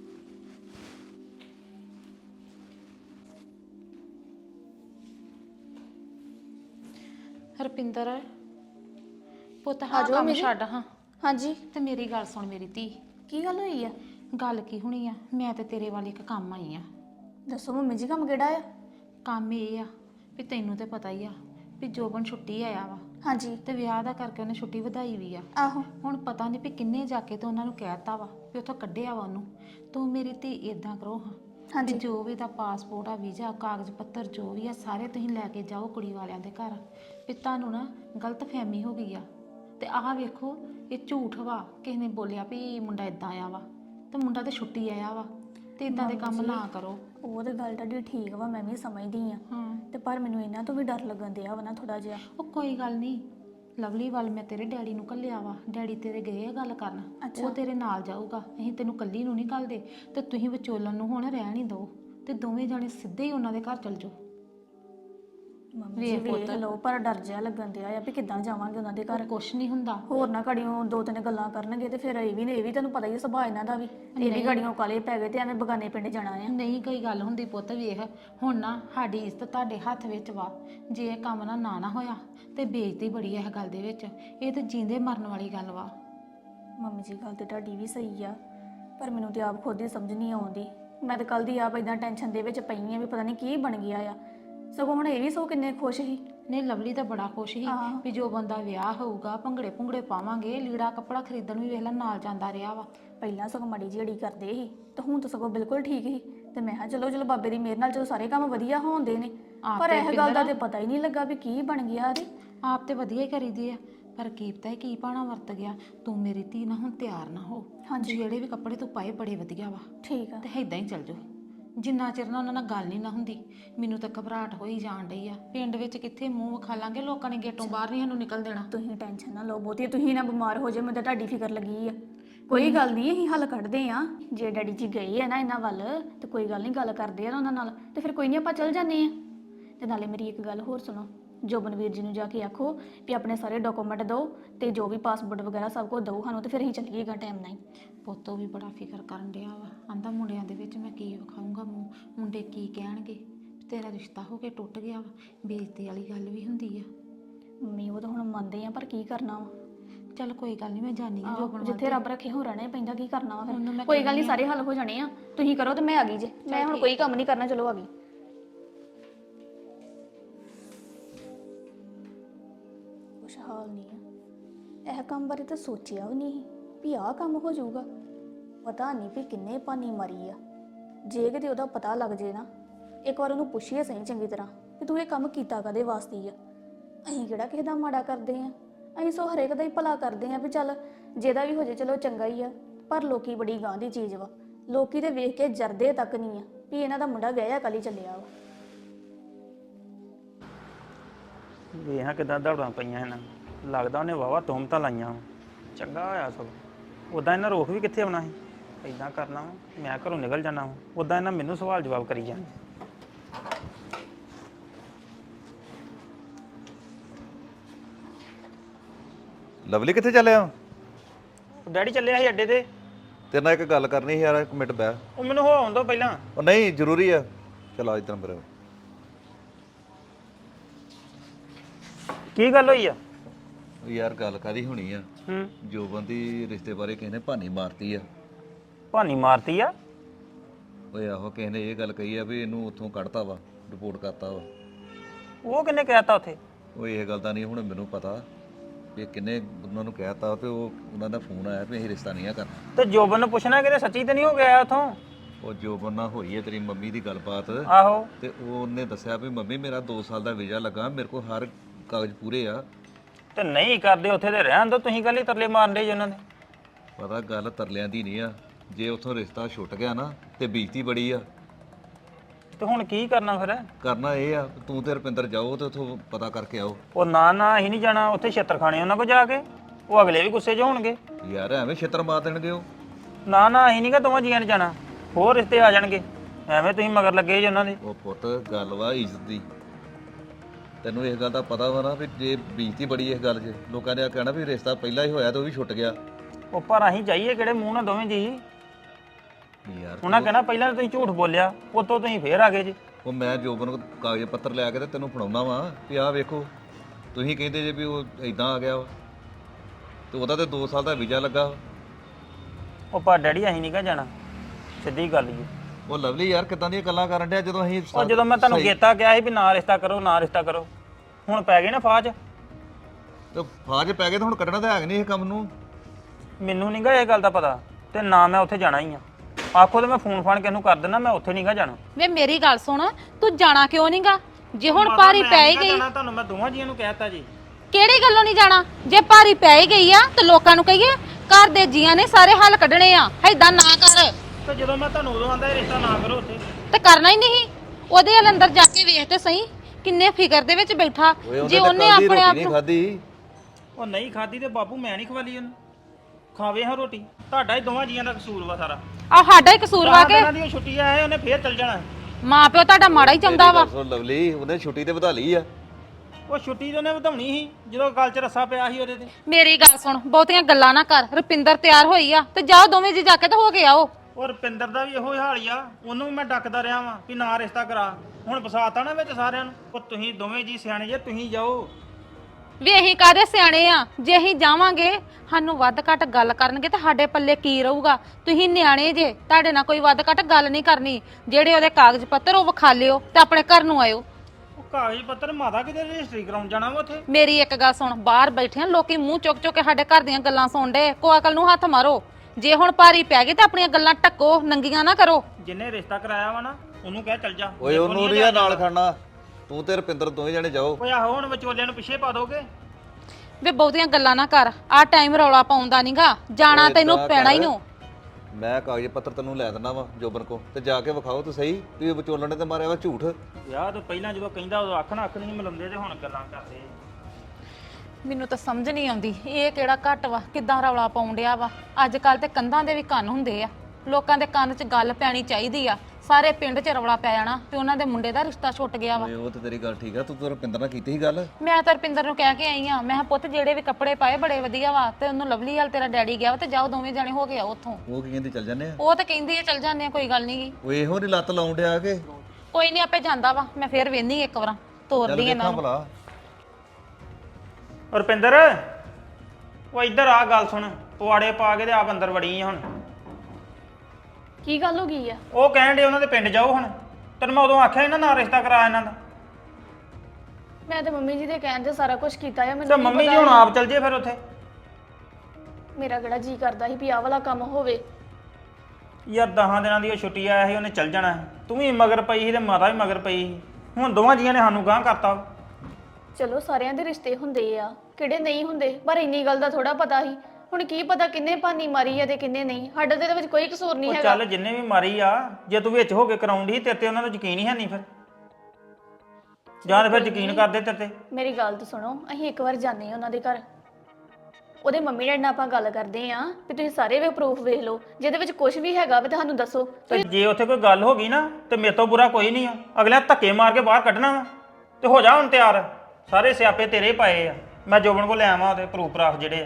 ਰੁਪਿੰਦਰ ਪੁੱਤ ਹਾਂ ਕੰਮ ਛੱਡ ਹਾਂ।
ਹਾਂਜੀ
ਤੇ ਮੇਰੀ ਗੱਲ ਸੁਣ ਮੇਰੀ ਧੀ।
ਕੀ ਗੱਲ ਹੋਈ ਆ?
ਗੱਲ ਕੀ ਹੋਣੀ ਆ, ਮੈਂ ਤੇ ਤੇਰੇ ਵੱਲ ਇੱਕ ਕੰਮ ਆਈ ਆ।
ਦੱਸੋ ਮੰਮੀ ਜੀ, ਕੰਮ ਕਿਹੜਾ ਆ?
ਕੰਮ ਇਹ ਆ ਵੀ ਤੈਨੂੰ ਤੇ ਪਤਾ ਹੀ ਆ ਵੀ ਜੋਬਨ ਛੁੱਟੀ ਆਇਆ ਵਾ
ਹਾਂਜੀ
ਤੇ ਵਿਆਹ ਦਾ ਕਰਕੇ ਉਹਨੇ ਛੁੱਟੀ ਵਧਾਈ ਵੀ ਆ।
ਆਹੋ
ਹੁਣ ਪਤਾ ਨਹੀਂ ਵੀ ਕਿੰਨੇ ਜਾ ਕੇ ਤੇ ਉਹਨਾਂ ਨੂੰ ਕਹਿਤਾ ਵਾ ਵੀ ਉੱਥੋਂ ਕੱਢਿਆ ਵਾ ਉਹਨੂੰ। ਤੂੰ ਮੇਰੀ ਧੀ ਇਦਾਂ ਕਰੋ ਹਾਂ ਵੀ
ਹਾਂਜੀ
ਜੋ ਵੀ ਦਾ ਪਾਸਪੋਰਟ ਆ, ਵੀਜ਼ਾ, ਕਾਗਜ਼ ਪੱਤਰ ਜੋ ਵੀ ਆ ਸਾਰੇ ਤੁਸੀਂ ਲੈ ਕੇ ਜਾਓ ਕੁੜੀ ਵਾਲਿਆਂ ਦੇ ਘਰ। ਵੀ ਤੁਹਾਨੂੰ ਨਾ ਗਲਤ ਫਹਿਮੀ ਹੋ ਗਈ ਆ ਤੇ ਆਹ ਵੇਖੋ ਇਹ ਝੂਠ ਵਾ। ਕਿਸੇ ਨੇ ਬੋਲਿਆ ਵੀ ਮੁੰਡਾ ਇਦਾਂ ਆਇਆ ਵਾ ਤੇ ਮੁੰਡਾ ਤੇ ਛੁੱਟੀ ਆਇਆ ਵਾ ਤੇ ਇਦਾਂ ਦੇ ਕੰਮ ਨਾ ਕਰੋ।
ਉਹ ਤੇ ਗੱਲ ਤੁਹਾਡੀ ਠੀਕ ਵਾ, ਮੈਂ ਵੀ ਸਮਝਦੀ ਆ
ਹਾਂ
ਤੇ ਪਰ ਮੈਨੂੰ ਇਹਨਾਂ ਤੋਂ ਵੀ ਡਰ ਲੱਗਣ ਦਿਆ ਵਾ ਨਾ ਥੋੜਾ ਜਿਹਾ।
ਉਹ ਕੋਈ ਗੱਲ ਨਹੀਂ, ਲਵਲੀ ਵੱਲ ਮੈਂ ਤੇਰੇ ਡੈਡੀ ਨੂੰ ਘੱਲਿਆ ਵਾ। ਡੈਡੀ ਤੇਰੇ ਗਏ ਆ ਗੱਲ ਕਰਨ, ਉਹ ਤੇਰੇ ਨਾਲ ਜਾਊਗਾ। ਅਸੀਂ ਤੈਨੂੰ ਕੱਲੀ ਨੂੰ ਨਹੀਂ ਘੱਲਦੇ ਤੇ ਤੁਸੀਂ ਵਿਚੋਲਨ ਨੂੰ ਹੁਣ ਰਹਿਣ ਹੀ ਦਿਓ ਤੇ ਦੋਵੇਂ ਜਾਣੇ ਸਿੱਧੇ ਹੀ ਉਹਨਾਂ ਦੇ ਘਰ ਚਲ ਜਾਓ।
ਮੰਮੀ ਜੀ ਵੇਖ ਲਓ, ਪਰ ਡਰ ਜਿਹਾ ਲੱਗਣ ਦਿਆ ਆ ਵੀ ਕਿੱਦਾਂ ਜਾਵਾਂਗੇ ਉਹਨਾਂ ਦੇ ਘਰ।
ਕੁਛ ਨਹੀਂ ਹੁੰਦਾ।
ਹੋਰ ਨਾ ਘੜੀਆਂ ਦੋ ਤਿੰਨ ਗੱਲਾਂ ਕਰਨਗੇ ਤੇ ਫਿਰ ਇਹ ਵੀ ਨੇ, ਇਹ ਵੀ ਤੈਨੂੰ ਪਤਾ ਹੀ ਆ ਸੁਭਾਅ ਇਹਨਾਂ ਦਾ ਵੀ। ਇਹ ਵੀ ਘੜੀਆਂ ਕਾਲੇ ਪੈ ਗਏ ਤੇ ਐਵੇਂ ਬਗਾਨੇ ਪਿੰਡ ਜਾਣਾ ਆ।
ਨਹੀਂ ਕੋਈ ਗੱਲ ਹੁੰਦੀ ਪੁੱਤ। ਵੇਖ ਹੁਣ ਨਾ ਸਾਡੀ ਇੱਜ਼ਤ ਤੁਹਾਡੇ ਹੱਥ ਵਿੱਚ ਵਾ। ਜੇ ਇਹ ਕੰਮ ਨਾ ਨਾ ਨਾ ਹੋਇਆ ਤੇ ਬੇਇੱਜ਼ਤੀ ਬੜੀ ਹੈ ਇਸ ਗੱਲ ਦੇ ਵਿੱਚ। ਇਹ ਤੇ ਜੀਂਦੇ ਮਰਨ ਵਾਲੀ ਗੱਲ ਵਾ।
ਮੰਮੀ ਜੀ ਗੱਲ ਤੇ ਤੁਹਾਡੀ ਵੀ ਸਹੀ ਆ ਪਰ ਮੈਨੂੰ ਤੇ ਆਪ ਖੁਦ ਹੀ ਸਮਝ ਨਹੀਂ ਆਉਂਦੀ। ਮੈਂ ਤਾਂ ਕੱਲ ਦੀ ਆਪ ਇਦਾਂ ਟੈਨਸ਼ਨ ਦੇ ਵਿੱਚ ਪਈ ਆ ਵੀ ਪਤਾ ਨਹੀਂ ਕੀ ਬਣ ਗਿਆ ਆ। ਸਗੋਂ ਹੁਣ ਇਹ ਵੀ ਸੋ ਕਿੰਨੇ ਖੁਸ਼ ਸੀ।
ਨਹੀਂ ਲਵਲੀ ਤਾਂ ਬੜਾ ਖੁਸ਼ ਸੀ ਵੀ ਜੋ ਬੰਦਾ ਵਿਆਹ ਹੋਊਗਾ ਭੰਗੜੇ ਭੁੰਗੜੇ ਪਾਵਾਂਗੇ, ਲੀੜਾ ਕੱਪੜਾ ਖਰੀਦਣ ਵੀ ਵੇਖ ਲੈ ਨਾਲ ਜਾਂਦਾ ਰਿਹਾ ਵਾ।
ਪਹਿਲਾਂ ਸਗੋਂ ਮਾੜੀ ਜਿਹੀ ਅੜੀ ਕਰਦੇ ਸੀ ਤੇ ਹੁਣ ਤਾਂ ਸਗੋਂ ਬਿਲਕੁਲ ਠੀਕ ਸੀ। ਤੇ ਮੈਂ ਕਿਹਾ ਚਲੋ ਚਲੋ ਬਾਬੇ ਦੀ ਮਿਹਰ ਨਾਲ ਚਲੋ ਸਾਰੇ ਕੰਮ ਵਧੀਆ ਹੋਣਦੇ ਨੇ। ਪਰ ਇਹ ਗੱਲ ਦਾ ਤੇ ਪਤਾ ਹੀ ਨਹੀਂ ਲੱਗਾ ਵੀ ਕੀ ਬਣ ਗਿਆ। ਤੇ
ਆਪ ਤੇ ਵਧੀਆ ਹੀ ਕਰੀਦੀ ਆ ਪਰ ਕੀ ਪਤਾ ਕੀ ਪਾਣਾ ਵਰਤ ਗਿਆ। ਤੂੰ ਮੇਰੀ ਧੀ ਨਾ ਹੁਣ ਤਿਆਰ ਨਾ ਹੋ। ਹਾਂਜੀ ਜਿਹੜੇ ਵੀ ਕੱਪੜੇ ਤੂੰ ਪਾਏ ਬੜੇ ਵਧੀਆ ਵਾ।
ਠੀਕ ਆ
ਤੇ ਏਦਾਂ ਹੀ ਚੱਲ ਜਾਓ। ਜਿੰਨਾ ਚਿਰ ਨਾ ਉਹਨਾਂ ਨਾਲ ਗੱਲ ਨਹੀਂ ਨਾ ਹੁੰਦੀ ਮੈਨੂੰ ਤਾਂ ਘਬਰਾਹਟ ਹੋਈ ਜਾਣ ਡਈ ਆ। ਪਿੰਡ ਵਿੱਚ ਕਿੱਥੇ ਮੂੰਹ ਵਿਖਾ ਲਾਂਗੇ, ਲੋਕਾਂ ਨੇ ਗੇਟੋਂ ਬਾਹਰ ਨਹੀਂ ਸਾਨੂੰ ਨਿਕਲ ਦੇਣਾ।
ਤੁਸੀਂ ਟੈਨਸ਼ਨ ਨਾ ਲਓ ਬਹੁਤੀ, ਤੁਸੀਂ ਨਾ ਬਿਮਾਰ ਹੋ ਜਾਓ। ਮੈਨੂੰ ਤਾਂ ਤੁਹਾਡੀ ਫਿਕਰ ਲੱਗੀ ਆ। ਕੋਈ ਗੱਲ ਨਹੀਂ, ਅਸੀਂ ਹੱਲ ਕੱਢਦੇ ਆ। ਜੇ ਡੈਡੀ ਜੀ ਗਏ ਆ ਨਾ ਇਹਨਾਂ ਵੱਲ ਤੇ ਕੋਈ ਗੱਲ ਨਹੀਂ, ਗੱਲ ਕਰਦੇ ਆ ਨਾ ਉਹਨਾਂ ਨਾਲ ਤੇ ਫਿਰ ਕੋਈ ਨਹੀਂ ਆਪਾਂ ਚੱਲ ਜਾਂਦੇ ਆ। ਤੇ ਨਾਲੇ ਮੇਰੀ ਇੱਕ ਗੱਲ ਹੋਰ ਸੁਣੋ, ਜੋਬਨਵੀਰ ਜੀ ਨੂੰ ਜਾ ਕੇ ਆਖੋ ਵੀ ਆਪਣੇ ਸਾਰੇ ਡਾਕੂਮੈਂਟ ਦਿਓ ਤੇ ਜੋ ਵੀ ਪਾਸਪੋਰਟ ਵਗੈਰਾ ਸਭ ਕੁਝ ਦਿਓ ਸਾਨੂੰ ਤੇ ਫਿਰ ਅਸੀਂ ਚੱਲੀਏਗਾ ਟਾਈਮ ਨਾਲ ਹੀ।
ਪੁੱਤੋ ਵੀ ਬੜਾ ਫਿਕਰ ਕਰਨ ਡਿਆ ਵਾ। ਆਂਦਾ ਮੁੰਡਿਆਂ ਦੇ ਵਿੱਚ ਮੈਂ ਕੀ ਵਿਖਾਊਂਗਾ ਮੂੰਹ, ਮੁੰਡੇ ਕੀ ਕਹਿਣਗੇ। ਤੇਰਾ ਰਿਸ਼ਤਾ ਹੋ ਕੇ ਟੁੱਟ ਗਿਆ ਵਾ ਬੇਇੱਜ਼ਤੀ ਵਾਲੀ ਗੱਲ ਵੀ ਹੁੰਦੀ ਆ।
ਮੰਮੀ ਉਹ ਤਾਂ ਹੁਣ ਮੰਨਦੇ ਆ ਪਰ ਕੀ ਕਰਨਾ ਵਾ।
ਚੱਲ ਕੋਈ ਗੱਲ ਨਹੀਂ, ਮੈਂ ਜਾਣੀ ਆ
ਆਹੋ,
ਜੋਬਨ
ਜਿੱਥੇ ਰੱਬ ਰੱਖੇ ਹੋ ਰਹਿਣਾ ਹੀ ਪੈਂਦਾ, ਕੀ ਕਰਨਾ ਵਾ
ਉਹਨੂੰ
ਫਿਰ।
ਮੈਂ
ਕੋਈ ਗੱਲ ਨਹੀਂ, ਸਾਰੇ ਹੱਲ ਹੋ ਜਾਣੇ ਆ। ਤੁਸੀਂ ਕਰੋ ਤੇ ਮੈਂ ਆ ਗਈ ਜੇ। ਮੈਂ ਹੁਣ ਕੋਈ ਕੰਮ ਨਹੀਂ ਕਰਨਾ, ਚਲੋ ਆ ਗਈ। ਕੁਛ ਹਾਲ ਨਹੀਂ ਆ। ਇਹ ਕੰਮ ਬਾਰੇ ਤਾਂ ਸੋਚਿਆ ਵੀ ਨਹੀਂ ਵੀ ਆਹ ਕੰਮ ਹੋ ਜਾਊਗਾ। ਪਤਾ ਨਹੀਂ ਵੀ ਕਿੰਨੇ ਪਾਣੀ ਮਾਰੀ ਆ। ਜੇ ਕਿਤੇ ਉਹਦਾ ਪਤਾ ਲੱਗ ਜੇ ਨਾ, ਇੱਕ ਵਾਰ ਉਹਨੂੰ ਪੁੱਛੀਏ ਸਹੀ ਚੰਗੀ ਤਰ੍ਹਾਂ ਕਿ ਤੂੰ ਇਹ ਕੰਮ ਕੀਤਾ ਕਦੇ ਵਾਸਤੇ ਆ। ਅਸੀਂ ਕਿਹੜਾ ਕਿਸੇ ਦਾ ਮਾੜਾ ਕਰਦੇ ਆ, ਅਸੀਂ ਸੋ ਹਰੇਕ ਦਾ ਹੀ ਭਲਾ ਕਰਦੇ ਆ ਵੀ ਚੱਲ ਜਿਹਦਾ ਵੀ ਹੋ ਜੇ ਚਲੋ ਚੰਗਾ ਹੀ ਆ। ਪਰ ਲੋਕੀ ਬੜੀ ਗਾਂ ਦੀ ਚੀਜ਼ ਵਾ। ਲੋਕੀ ਤੇ ਵੇਖ ਕੇ ਜਰਦੇ ਤੱਕ ਨਹੀਂ ਆ ਵੀ ਇਹਨਾਂ ਦਾ ਮੁੰਡਾ ਵਿਆਹਿਆ ਕੱਲ ਹੀ ਚੱਲਿਆ ਵਾ।
ਵੇਹਾਂ ਕਿਦਾਂ ਦੌੜਾਂ ਪਈਆਂ ਇਹਨਾਂ ਨੂੰ। ਲੱਗਦਾ ਉਹਨੇ ਵਾਵਾ ਤੋਮਤਾਂ ਲਾਈਆਂ ਵਾ। ਚੰਗਾ ਹੋਇਆ ਸਗੋਂ, ਉਦਾਂ ਇਹਨਾਂ ਰੋਕ ਵੀ ਕਿੱਥੇ ਆਉਣਾ ਸੀ। ਇਦਾਂ ਕਰਨਾ ਵਾ, ਮੈਂ ਘਰੋਂ ਨਿਕਲ ਜਾਣਾ ਵਾ, ਉਦਾਂ ਇਹਨਾਂ ਮੈਨੂੰ ਸਵਾਲ ਜਵਾਬ ਕਰੀ ਜਾਣ।
ਲਵਲੀ ਕਿੱਥੇ ਚੱਲਿਆ?
ਡੈਡੀ ਚੱਲਿਆ ਸੀ ਅੱਡੇ ਤੇ।
ਤੇਰੇ ਨਾਲ ਇੱਕ ਗੱਲ ਕਰਨੀ ਸੀ ਯਾਰ, ਇੱਕ ਮਿੰਟ ਬਹਿ।
ਉਹ ਮੈਨੂੰ ਹੋ ਆਉਣ ਦੋ ਪਹਿਲਾਂ।
ਉਹ ਨਹੀਂ ਜ਼ਰੂਰੀ ਆ, ਚਲ ਆ ਇਧਰ ਮੇਰੇ।
ਕੀ ਗੱਲ ਹੋਈ ਆ?
ਉਹ ਯਾਰ ਗੱਲ ਕਾਦੀ ਹੋਣੀ ਆ,
ਹੂੰ,
ਜੋਬਨ ਦੀ ਰਿਸ਼ਤੇ ਬਾਰੇ ਕਿਸੇ ਨੇ ਭਾਨੀ ਮਾਰਤੀ ਆ।
ਭਾਨੀ ਮਾਰਤੀ ਆ?
ਓਏ ਆਹੋ, ਕਿਸੇ ਨੇ ਇਹ ਗੱਲ ਕਹੀ ਆ ਵੀ ਇਹਨੂੰ ਉੱਥੋਂ ਕੱਢਤਾ ਵਾ, ਰਿਪੋਰਟ ਕਰਤਾ ਵਾ।
ਉਹ ਕਿੰਨੇ ਕਹਿਤਾ ਉੱਥੇ?
ਉਹ ਇਹ ਗੱਲ ਦਾ ਨਹੀਂ ਹੁਣ ਮੈਨੂੰ ਪਤਾ ਵੀ ਕਿੰਨੇ ਉਹਨਾਂ ਨੂੰ ਕਹਿਤਾ, ਤੇ ਉਹ ਉਹਨਾਂ ਦਾ ਫੋਨ ਆਇਆ ਵੀ ਅਸੀਂ ਰਿਸ਼ਤਾ ਨਹੀਂ ਆ ਕਰਨਾ।
ਤੇ ਜੋਬਨ ਨੂੰ ਪੁੱਛਣਾ ਕਿਤੇ ਸੱਚੀ ਤੇ ਨਹੀਂ ਹੋ ਗਿਆ ਉੱਥੋਂ?
ਉਹ ਜੋਬਨ ਨਾਲ ਹੋਈ ਹੈ ਤੇਰੀ ਮੰਮੀ ਦੀ ਗੱਲਬਾਤ,
ਆਹੋ।
ਤੇ ਉਹ ਉਹਨੇ ਦੱਸਿਆ ਵੀ ਮੰਮੀ ਮੇਰਾ ਦੋ ਸਾਲ ਦਾ ਵੀਜ਼ਾ ਲੱਗਾ, ਮੇਰੇ ਕੋਲ ਹਰ ਕਾਗਜ਼ ਪੂਰੇ ਆ।
ਤੇ ਨਹੀਂ ਕਰਦੇ ਉੱਥੇ ਤੇ ਰਹਿਣ ਦੋ, ਤੁਸੀਂ ਕੱਲ ਹੀ ਤਰਲੇ ਮਾਰਨ ਦੇ ਜੀ ਉਹਨਾਂ ਦੇ।
ਪਤਾ ਗੱਲ ਤਰਲਿਆਂ ਦੀ ਨਹੀਂ ਆ, ਜੇ ਉੱਥੋਂ ਰਿਸ਼ਤਾ ਛੁੱਟ ਗਿਆ ਨਾ ਤੇ ਬੇਇੱਜ਼ਤੀ ਬੜੀ ਆ।
ਤੇ ਹੁਣ ਕੀ ਕਰਨਾ ਫਿਰ?
ਕਰਨਾ ਇਹ ਆ ਤੂੰ ਤੇ ਰੁਪਿੰਦਰ ਜਾਓ ਤੇ ਉੱਥੋਂ ਪਤਾ ਕਰਕੇ ਆਓ।
ਉਹ ਨਾ ਨਾ ਅਸੀਂ ਨਹੀਂ ਜਾਣਾ ਉੱਥੇ, ਛੇਤਰ ਖਾਣੇ ਉਹਨਾਂ ਕੋਲ ਜਾ ਕੇ। ਉਹ ਅਗਲੇ ਵੀ ਗੁੱਸੇ 'ਚ ਹੋਣਗੇ।
ਯਾਰ ਐਵੇਂ ਛਿੱਤਰ ਮਾਰ ਦੇਣਗੇ ਉਹ।
ਨਾ ਨਾ ਅਸੀਂ ਨਹੀਂ ਗਾ ਦੋਵਾਂ ਜੀਆਂ ਨੇ ਜਾਣਾ, ਹੋਰ ਰਿਸ਼ਤੇ ਆ ਜਾਣਗੇ। ਐਵੇਂ ਤੁਸੀਂ ਮਗਰ ਲੱਗੇ ਜੀ ਉਹਨਾਂ ਦੇ।
ਉਹ ਪੁੱਤ ਗੱਲ ਵਾ ਇੱਜ਼ਤ ਦੀ, ਤੈਨੂੰ ਇਸ ਗੱਲ ਦਾ ਪਤਾ ਵਾ ਨਾ ਵੀ ਜੇ ਬੇਇੱਜ਼ਤੀ ਬੜੀ ਇਸ ਗੱਲ 'ਚ, ਲੋਕਾਂ ਨੇ ਆ ਕਹਿਣਾ ਵੀ ਰਿਸ਼ਤਾ ਪਹਿਲਾਂ ਹੀ ਹੋਇਆ ਤੇ ਉਹ ਵੀ ਛੁੱਟ ਗਿਆ।
ਉਹ ਪਰ ਅਸੀਂ ਜਾਈਏ ਕਿਹੜੇ ਮੂੰਹ ਨਾਲ ਦੋਵੇਂ ਜੀ?
ਯਾਰ
ਉਹਨਾਂ ਕਹਿਣਾ ਪਹਿਲਾਂ ਤੁਸੀਂ ਝੂਠ ਬੋਲਿਆ, ਉਤੋਂ ਤੁਸੀਂ ਫੇਰ ਆ ਗਏ ਜੀ।
ਉਹ ਮੈਂ ਜੋਬਨ ਨੂੰ ਕਾਗਜ਼ ਪੱਤਰ ਲਿਆ ਕੇ ਤੇ ਤੈਨੂੰ ਫੜਾਉਣਾ ਵਾ ਵੀ ਆਹ ਵੇਖੋ, ਤੁਸੀਂ ਕਹਿੰਦੇ ਜੇ ਵੀ ਉਹ ਇਦਾਂ ਆ ਗਿਆ ਵਾ, ਤੇ ਉਹਦਾ ਤੇ ਦੋ ਸਾਲ ਦਾ ਵੀਜ਼ਾ ਲੱਗਾ ਵਾ।
ਉਹ ਪਰ ਡੈਡੀ ਅਸੀਂ ਨਹੀਂ ਗਾ ਜਾਣਾ, ਸਿੱਧੀ ਗੱਲ ਜੀ।
ਉਹ ਲਵਲੀ ਯਾਰ ਕਿੱਦਾਂ ਦੀਆਂ ਗੱਲਾਂ ਕਰਨ ਡਿਆ, ਜਦੋਂ ਅਸੀਂ
ਉਹ ਜਦੋਂ ਮੈਂ ਤੁਹਾਨੂੰ ਕੀਤਾ ਕਿਹਾ ਸੀ ਵੀ ਨਾ ਰਿਸ਼ਤਾ ਕਰੋ ਨਾ ਰਿਸ਼ਤਾ ਕਰੋ, ਹੁਣ ਪੈ ਗਏ ਨਾ ਫਾਜ।
ਤੇ ਫਾਜ ਪੈ ਗਏ ਤਾਂ ਹੁਣ ਕੱਢਣਾ ਤਾਂ ਹੈ ਨਹੀਂ ਇਹ ਕੰਮ ਨੂੰ।
ਮੈਨੂੰ ਨਹੀਂ ਗਾ ਇਹ ਗੱਲ ਦਾ ਪਤਾ, ਤੇ ਨਾ ਮੈਂ ਉੱਥੇ ਜਾਣਾ ਹੀ ਆ। ਆਖੋ ਤੇ ਮੈਂ ਫੋਨ ਫਾਨ ਕਿਸ ਨੂੰ ਕਰ ਦਿੰਦਾ, ਮੈਂ ਉੱਥੇ ਨਹੀਂ ਗਾ ਜਾਣਾ।
ਵੇ ਮੇਰੀ ਗੱਲ ਸੁਣ, ਤੂੰ ਜਾਣਾ ਕਿਉਂ ਨਹੀਂਗਾ? ਜੇ ਹੁਣ ਭਾਰੀ ਪੈ ਹੀ ਗਈ,
ਤੁਹਾਨੂੰ ਮੈਂ ਦੋਵਾਂ ਜੀਆਂ ਨੂੰ ਕਹਿਤਾ ਜੀ।
ਕਿਹੜੀ ਗੱਲੋਂ ਨਹੀਂ ਜਾਣਾ? ਜੇ ਭਾਰੀ ਪੈ ਹੀ ਗਈ ਆ ਤੇ ਲੋਕਾਂ ਨੂੰ ਕਹੀਏ ਘਰ ਦੇ ਜੀਆਂ ਨੇ ਸਾਰੇ ਹੱਲ ਕੱਢਣੇ ਆ, ਐਦਾਂ ਨਾ ਕਰ।
ਤੇ ਜਦੋਂ ਮੈਂ ਤੁਹਾਨੂੰ ਉਦੋਂ ਆਂਦਾ ਰਿਸ਼ਤਾ ਨਾ ਕਰੋ ਉੱਥੇ,
ਤੇ ਕਰਨਾ ਹੀ ਨਹੀਂ। ਉਹਦੇ ਹਲ ਅੰਦਰ ਜਾ ਕੇ ਵੇਖ ਤੇ ਸਹੀ, ਕਿੰਨੇ ਫਿਕਰ ਦੇ ਵਿੱਚ ਬੈਠਾ। ਜੇ ਉਹਨੇ ਆਪਣੇ ਆਪ
ਨਹੀਂ
ਨੂੰ
ਖਾਦੀ,
ਉਹ ਨਹੀਂ ਖਾਦੀ ਤੇ ਬਾਪੂ ਮੈਂ ਨਹੀਂ ਖਵਾਲੀ ਉਹਨੂੰ। ਖਾਵੇ ਹਾਂ ਰੋਟੀ, ਤੁਹਾਡਾ ਹੀ ਦੋਵਾਂ ਜੀਆਂ ਦਾ ਕਸੂਰ ਵਾ ਸਾਰਾ।
ਆ ਸਾਡਾ ਹੀ ਕਸੂਰ ਵਾ ਕੇ
ਇਹਨਾਂ ਦੀ ਛੁੱਟੀ ਆਏ ਉਹਨੇ ਫੇਰ ਚੱਲ ਜਾਣਾ।
ਮਾਂ ਪਿਓ ਤੁਹਾਡਾ ਮਾੜਾ ਹੀ ਚਾਹੁੰਦਾ ਵਾ।
ਸੋ ਲਵਲੀ ਉਹਨੇ ਛੁੱਟੀ ਤੇ ਵਧਾ ਲਈ ਆ।
ਉਹ ਛੁੱਟੀ ਉਹਨੇ ਵਧਾਉਣੀ ਸੀ ਜਦੋਂ ਗੱਲ 'ਚ ਰੱਸਾ ਪਿਆ ਸੀ ਉਹਦੇ ਤੇ।
ਮੇਰੀ ਗੱਲ ਸੁਣ, ਬਹੁਤੀਆਂ ਗੱਲਾਂ ਨਾ ਕਰ। ਰੁਪਿੰਦਰ ਤਿਆਰ ਹੋਈ ਆ ਤੇ ਜਾਓ ਦੋਵੇਂ ਜੀ ਜਾ ਕੇ ਤੇ ਹੋ ਕੇ ਆਓ।
ਉਹ ਰੁਪਿੰਦਰ ਦਾ ਵੀ ਇਹੋ ਹਾਲ ਹੀ ਆ, ਉਹਨੂੰ ਵੀ ਮੈਂ ਡੱਕਦਾ ਰਿਹਾ ਵਾਂ ਕਿ ਨਾ ਰਿਸ਼ਤਾ ਕਰਾ। ਹੁਣ ਫਸਾਤਾ ਨਾ ਵਿੱਚ ਸਾਰਿਆਂ ਨੂੰ। ਉਹ ਤੁਸੀਂ ਦੋਵੇਂ ਜੀ ਸਿਆਣੇ ਜੇ, ਤੁਸੀਂ ਜਾਓ।
ਵੀ ਅਸੀਂ ਕਾਹਦੇ ਸਿਆਣੇ ਆ? ਜੇ ਅਸੀਂ ਜਾਵਾਂਗੇ ਸਾਨੂੰ ਵੱਧ ਘੱਟ ਗੱਲ ਕਰਨਗੇ ਤੇ ਸਾਡੇ ਪੱਲੇ ਕੀ ਰਹੂਗਾ? ਤੁਸੀਂ ਨਿਆਣੇ ਜੇ, ਤੁਹਾਡੇ ਨਾਲ ਕੋਈ ਵੱਧ ਘੱਟ ਗੱਲ ਨਹੀਂ ਕਰਨੀ। ਜਿਹੜੇ ਉਹਦੇ ਕਾਗਜ਼ ਪੱਤਰ ਉਹ ਵਿਖਾ ਲਿਓ ਤੇ ਆਪਣੇ ਘਰ ਨੂੰ ਆਇਓ।
ਉਹ ਕਾਗਜ਼ ਪੱਤਰ ਮਾਤਾ ਕਿਤੇ ਰਜਿਸਟਰੀ ਕਰਾਉਣ ਜਾਣਾ ਵਾ ਉੱਥੇ।
ਮੇਰੀ ਇੱਕ ਗੱਲ ਸੁਣ, ਬਾਹਰ ਬੈਠਿਆਂ ਲੋਕੀ ਮੂੰਹ ਚੁੱਕ ਚੁੱਕ ਕੇ ਸਾਡੇ ਘਰ ਦੀਆਂ ਗੱਲਾਂ ਸੁਣਦੇ। ਕੋ ਅਕਲ ਨੂੰ ਹੱਥ ਮਾਰੋ। ਜੇ ਹੁਣ ਭਾਰੀ ਪੈ ਗਈ ਤਾਂ ਆਪਣੀਆਂ ਗੱਲਾਂ ਢੱਕੋ, ਨੰਗੀਆਂ ਨਾ ਕਰੋ।
ਜਿੰਨੇ ਰਿਸ਼ਤਾ ਕਰਾਇਆ ਵਾ ਨਾ ਉਹਨੂੰ ਕਹਿ ਚੱਲ ਜਾ।
ਓਏ ਉਹਨੂੰ ਨਹੀਂ ਨਾਲ ਖੜਨਾ, ਤੂੰ ਤੇ ਰੁਪਿੰਦਰ ਦੋਵੇਂ ਜਣੇ ਜਾਓ।
ਓਏ ਆਹੋ ਹੁਣ ਵਿਚੋਲਿਆਂ ਨੂੰ ਪਿੱਛੇ ਪਾ ਦੋਗੇ।
ਵੇ ਬਹੁਤੀਆਂ ਗੱਲਾਂ ਨਾ ਕਰ। ਆਹ ਟਾਈਮ ਰੌਲਾ ਪਾਉਂਦਾ ਨਹੀਂਗਾ, ਜਾਣਾ
ਓਏ
ਤੈਨੂੰ
ਏਦਾਂ
ਪੈਣਾ ਹੀ
ਕਰ।
ਨੂੰ।
ਮੈਂ ਕਾਗਜ਼ ਪੱਤਰ ਤੈਨੂੰ ਲੈ ਦਿੰਦਾ ਵਾ ਜੋਬਨ ਕੋ, ਤੇ ਜਾ ਕੇ ਵਿਖਾਓ ਤੇ ਸਹੀ ਵੀ ਵਿਚੋਲਣ ਨੇ ਤੇ ਮਾਰਿਆ ਵਾ ਝੂਠ।
ਵਿਆਹ ਤੋਂ ਪਹਿਲਾਂ ਜਦੋਂ ਕਹਿੰਦਾ ਉਦੋਂ ਅੱਖ ਨਾ ਅੱਖ ਨਹੀਂ ਮਿਲਾਉਂਦੇ ਤੇ ਹੁਣ ਗੱਲਾਂ ਕਰਦੇ।
ਮੈਨੂੰ ਤਾਂ ਸਮਝ ਨਹੀਂ ਆਉਂਦੀ ਇਹ ਕਿਹੜਾ ਘੱਟ ਵਾ, ਕਿੱਦਾਂ ਰੌਲਾ ਪਾਉਣ ਡਿਆ ਵਾ। ਅੱਜ ਕੱਲ ਤੇ ਕੰਧਾਂ ਦੇ ਵੀ ਕੰਨ ਹੁੰਦੇ ਆ, ਲੋਕਾਂ ਦੇ ਕੰਨ 'ਚ ਗੱਲ ਪੈਣੀ ਚਾਹੀਦੀ ਆ। ਸਾਰੇ ਪਿੰਡ 'ਚ ਰੌਲਾ ਪੈ ਜਾਣਾ ਤੇ ਉਹਨਾਂ ਦੇ ਮੁੰਡੇ ਦਾ ਰਿਸ਼ਤਾ ਛੁੱਟ ਗਿਆ ਵਾ।
ਓਏ ਉਹ ਤੇ ਤੇਰੀ ਗੱਲ ਠੀਕ ਆ, ਤੂੰ ਤੇ ਰੁਪਿੰਦਰ ਨਾਲ ਕੀਤੀ ਸੀ ਗੱਲ।
ਮੈਂ ਤਾਂ ਰੁਪਿੰਦਰ ਨੂੰ ਕਹਿ ਕੇ ਆਈ ਆ, ਮੈਂ ਕਿਹਾ ਪੁੱਤ ਜਿਹੜੇ ਵੀ ਕੱਪੜੇ ਪਾਏ ਬੜੇ ਵਧੀਆ ਵਾ, ਤੇ ਉਹਨੂੰ ਲਵਲੀ ਹਾਲ ਤੇਰਾ ਡੈਡੀ ਗਿਆ ਵਾ ਤੇ ਜਾਓ ਦੋਵੇਂ ਜਾਣੇ ਹੋ ਕੇ ਆਓ ਉੱਥੋਂ।
ਉਹ ਕੀ ਕਹਿੰਦੀ ਚੱਲ ਜੰਨੇ ਆ।
ਉਹ ਤਾਂ ਕਹਿੰਦੀ ਆ ਚੱਲ ਜਾਂਦੇ ਆ, ਕੋਈ ਗੱਲ ਨਹੀਂ ਗੀ।
ਓਏ ਇਹੋ ਨੀ ਲੱਤ ਲਾਉਣ ਡਿਆ ਕੇ
ਕੋਈ ਨਹੀਂ ਆਪੇ ਜਾਂਦਾ ਵਾ ਮੈਂ ਫੇਰ ਵੇਹਨੀ ਇੱਕ ਵਾਰ
ਚੱਲ
ਤੋਰਦੀ ਇਹਨਾਂ
ਦੇਖਾਂ
ਨੂੰ
ਭਲਾ।
ਰੁਪਿੰਦਰ ਉਹ ਇੱਧਰ ਆ ਗੱਲ ਸੁਣ ਪਵਾੜੇ ਪਾ ਕੇ ਤੇ ਆਪ ਅੰਦਰ ਵੜੀ ਆ ਹੁਣ।
ਕੀ ਗੱਲ ਹੋ ਗਈ ਆ?
ਉਹ ਕਹਿਣ ਦੇ ਉਹਨਾਂ ਦੇ ਪਿੰਡ ਜਾਓ ਹੁਣ। ਤੈਨੂੰ ਮੈਂ ਉਦੋਂ ਆਖਿਆ ਇਹਨਾਂ ਨਾਲ ਰਿਸ਼ਤਾ ਕਰਾ ਇਹਨਾਂ ਦਾ।
ਮੈਂ ਤੇ ਮੰਮੀ ਜੀ ਦੇ ਕਹਿਣ ਤੇ ਸਾਰਾ ਕੁਝ ਕੀਤਾ ਆ
ਤੇ
ਮੈਨੂੰ
ਮੰਮੀ ਜੀ ਹੁਣ ਆਪ ਚੱਲ ਜੇ ਫਿਰ ਉੱਥੇ।
ਮੇਰਾ ਕਿਹੜਾ ਜੀ ਕਰਦਾ ਸੀ ਵੀ ਆਹ ਵਾਲਾ ਕੰਮ ਹੋਵੇ।
ਯਾਰ ਦਸਾਂ ਦਿਨਾਂ ਦੀ ਉਹ ਛੁੱਟੀ ਆਇਆ ਸੀ ਉਹਨੇ ਚੱਲ ਜਾਣਾ ਸੀ। ਤੂੰ ਵੀ ਮਗਰ ਪਈ ਸੀ ਤੇ ਮਾਤਾ ਵੀ ਮਗਰ ਪਈ ਸੀ। ਹੁਣ ਦੋਵਾਂ ਜੀਆਂ ਨੇ ਸਾਨੂੰ ਗਾਂਹ ਕਰਤਾ।
ਚਲੋ ਸਾਰਿਆਂ ਦੇ ਰਿਸ਼ਤੇ ਹੁੰਦੇ ਆ ਕਿਹੜੇ ਨਹੀਂ ਹੁੰਦੇ, ਪਰ ਇੰਨੀ ਗੱਲ ਦਾ ਥੋੜਾ ਪਤਾ ਸੀ। ਹੁਣ ਕੀ ਪਤਾ ਕਿੰਨੇ ਭਾਨੀ ਮਾਰੀ ਆ ਤੇ ਕਿੰਨੇ ਨਹੀਂ। ਸਾਡੇ ਤੇ ਇਹਦੇ ਵਿੱਚ ਕੋਈ ਕਸੂਰ ਨਹੀਂ
ਉਹ
ਹੈਗਾ।
ਚੱਲ ਜਿੰਨੇ ਵੀ ਮਾਰੀ ਆ ਜੇ ਤੂੰ ਵਿੱਚ ਹੋ ਕੇ ਕਰਾਉਂਦੀ ਤੇਰੇ ਤੇ ਉਹਨਾਂ ਦਾ ਯਕੀਨ ਹੀ ਹੈ ਨਹੀਂ ਫਿਰ। ਜਾਂ ਤੇ ਫਿਰ ਯਕੀਨ ਕਰਦੇ ਤੇਰੇ ਤੇ।
ਮੇਰੀ ਗੱਲ ਤਾਂ ਸੁਣੋ, ਅਸੀਂ ਇੱਕ ਵਾਰ ਜਾਂਦੇ ਹਾਂ ਉਹਨਾਂ ਦੇ ਘਰ। ਉਹਦੇ ਮੰਮੀ ਡੈਡੀ ਨਾਲ ਆਪਾਂ ਗੱਲ ਕਰਦੇ ਆਂ ਵੀ ਤੁਸੀਂ ਸਾਰੇ ਵੇ ਪ੍ਰੂਫ ਵੇਖ ਲਓ, ਜਿਹਦੇ ਵਿੱਚ ਕੁਝ ਵੀ ਹੈਗਾ ਵੀ ਤੁਹਾਨੂੰ ਦੱਸੋ।
ਤੇ ਜੇ ਉੱਥੇ ਕੋਈ ਗੱਲ ਹੋ ਗਈ ਨਾ ਤੇ ਮੇਰੇ ਤੋਂ ਬੁਰਾ ਕੋਈ ਨਹੀਂ ਆ। ਅਗਲੇ ਧੱਕੇ ਮਾਰ ਕੇ ਬਾਹਰ ਕੱਢਣਾ ਵਾ। ਤੇ ਹੋ ਜਾ ਹੁਣ ਤਿਆਰ। ਸਾਰੇ ਸਿਆਪੇ ਤੇਰੇ ਪਾਏ ਆ। ਮੈਂ ਜੋਬਨ ਕੋਲ ਲੈ ਆਵਾਂ ਉਹਦੇ ਪ੍ਰੂਫ ਪ੍ਰਾਫ ਜਿਹੜੇ ਆ।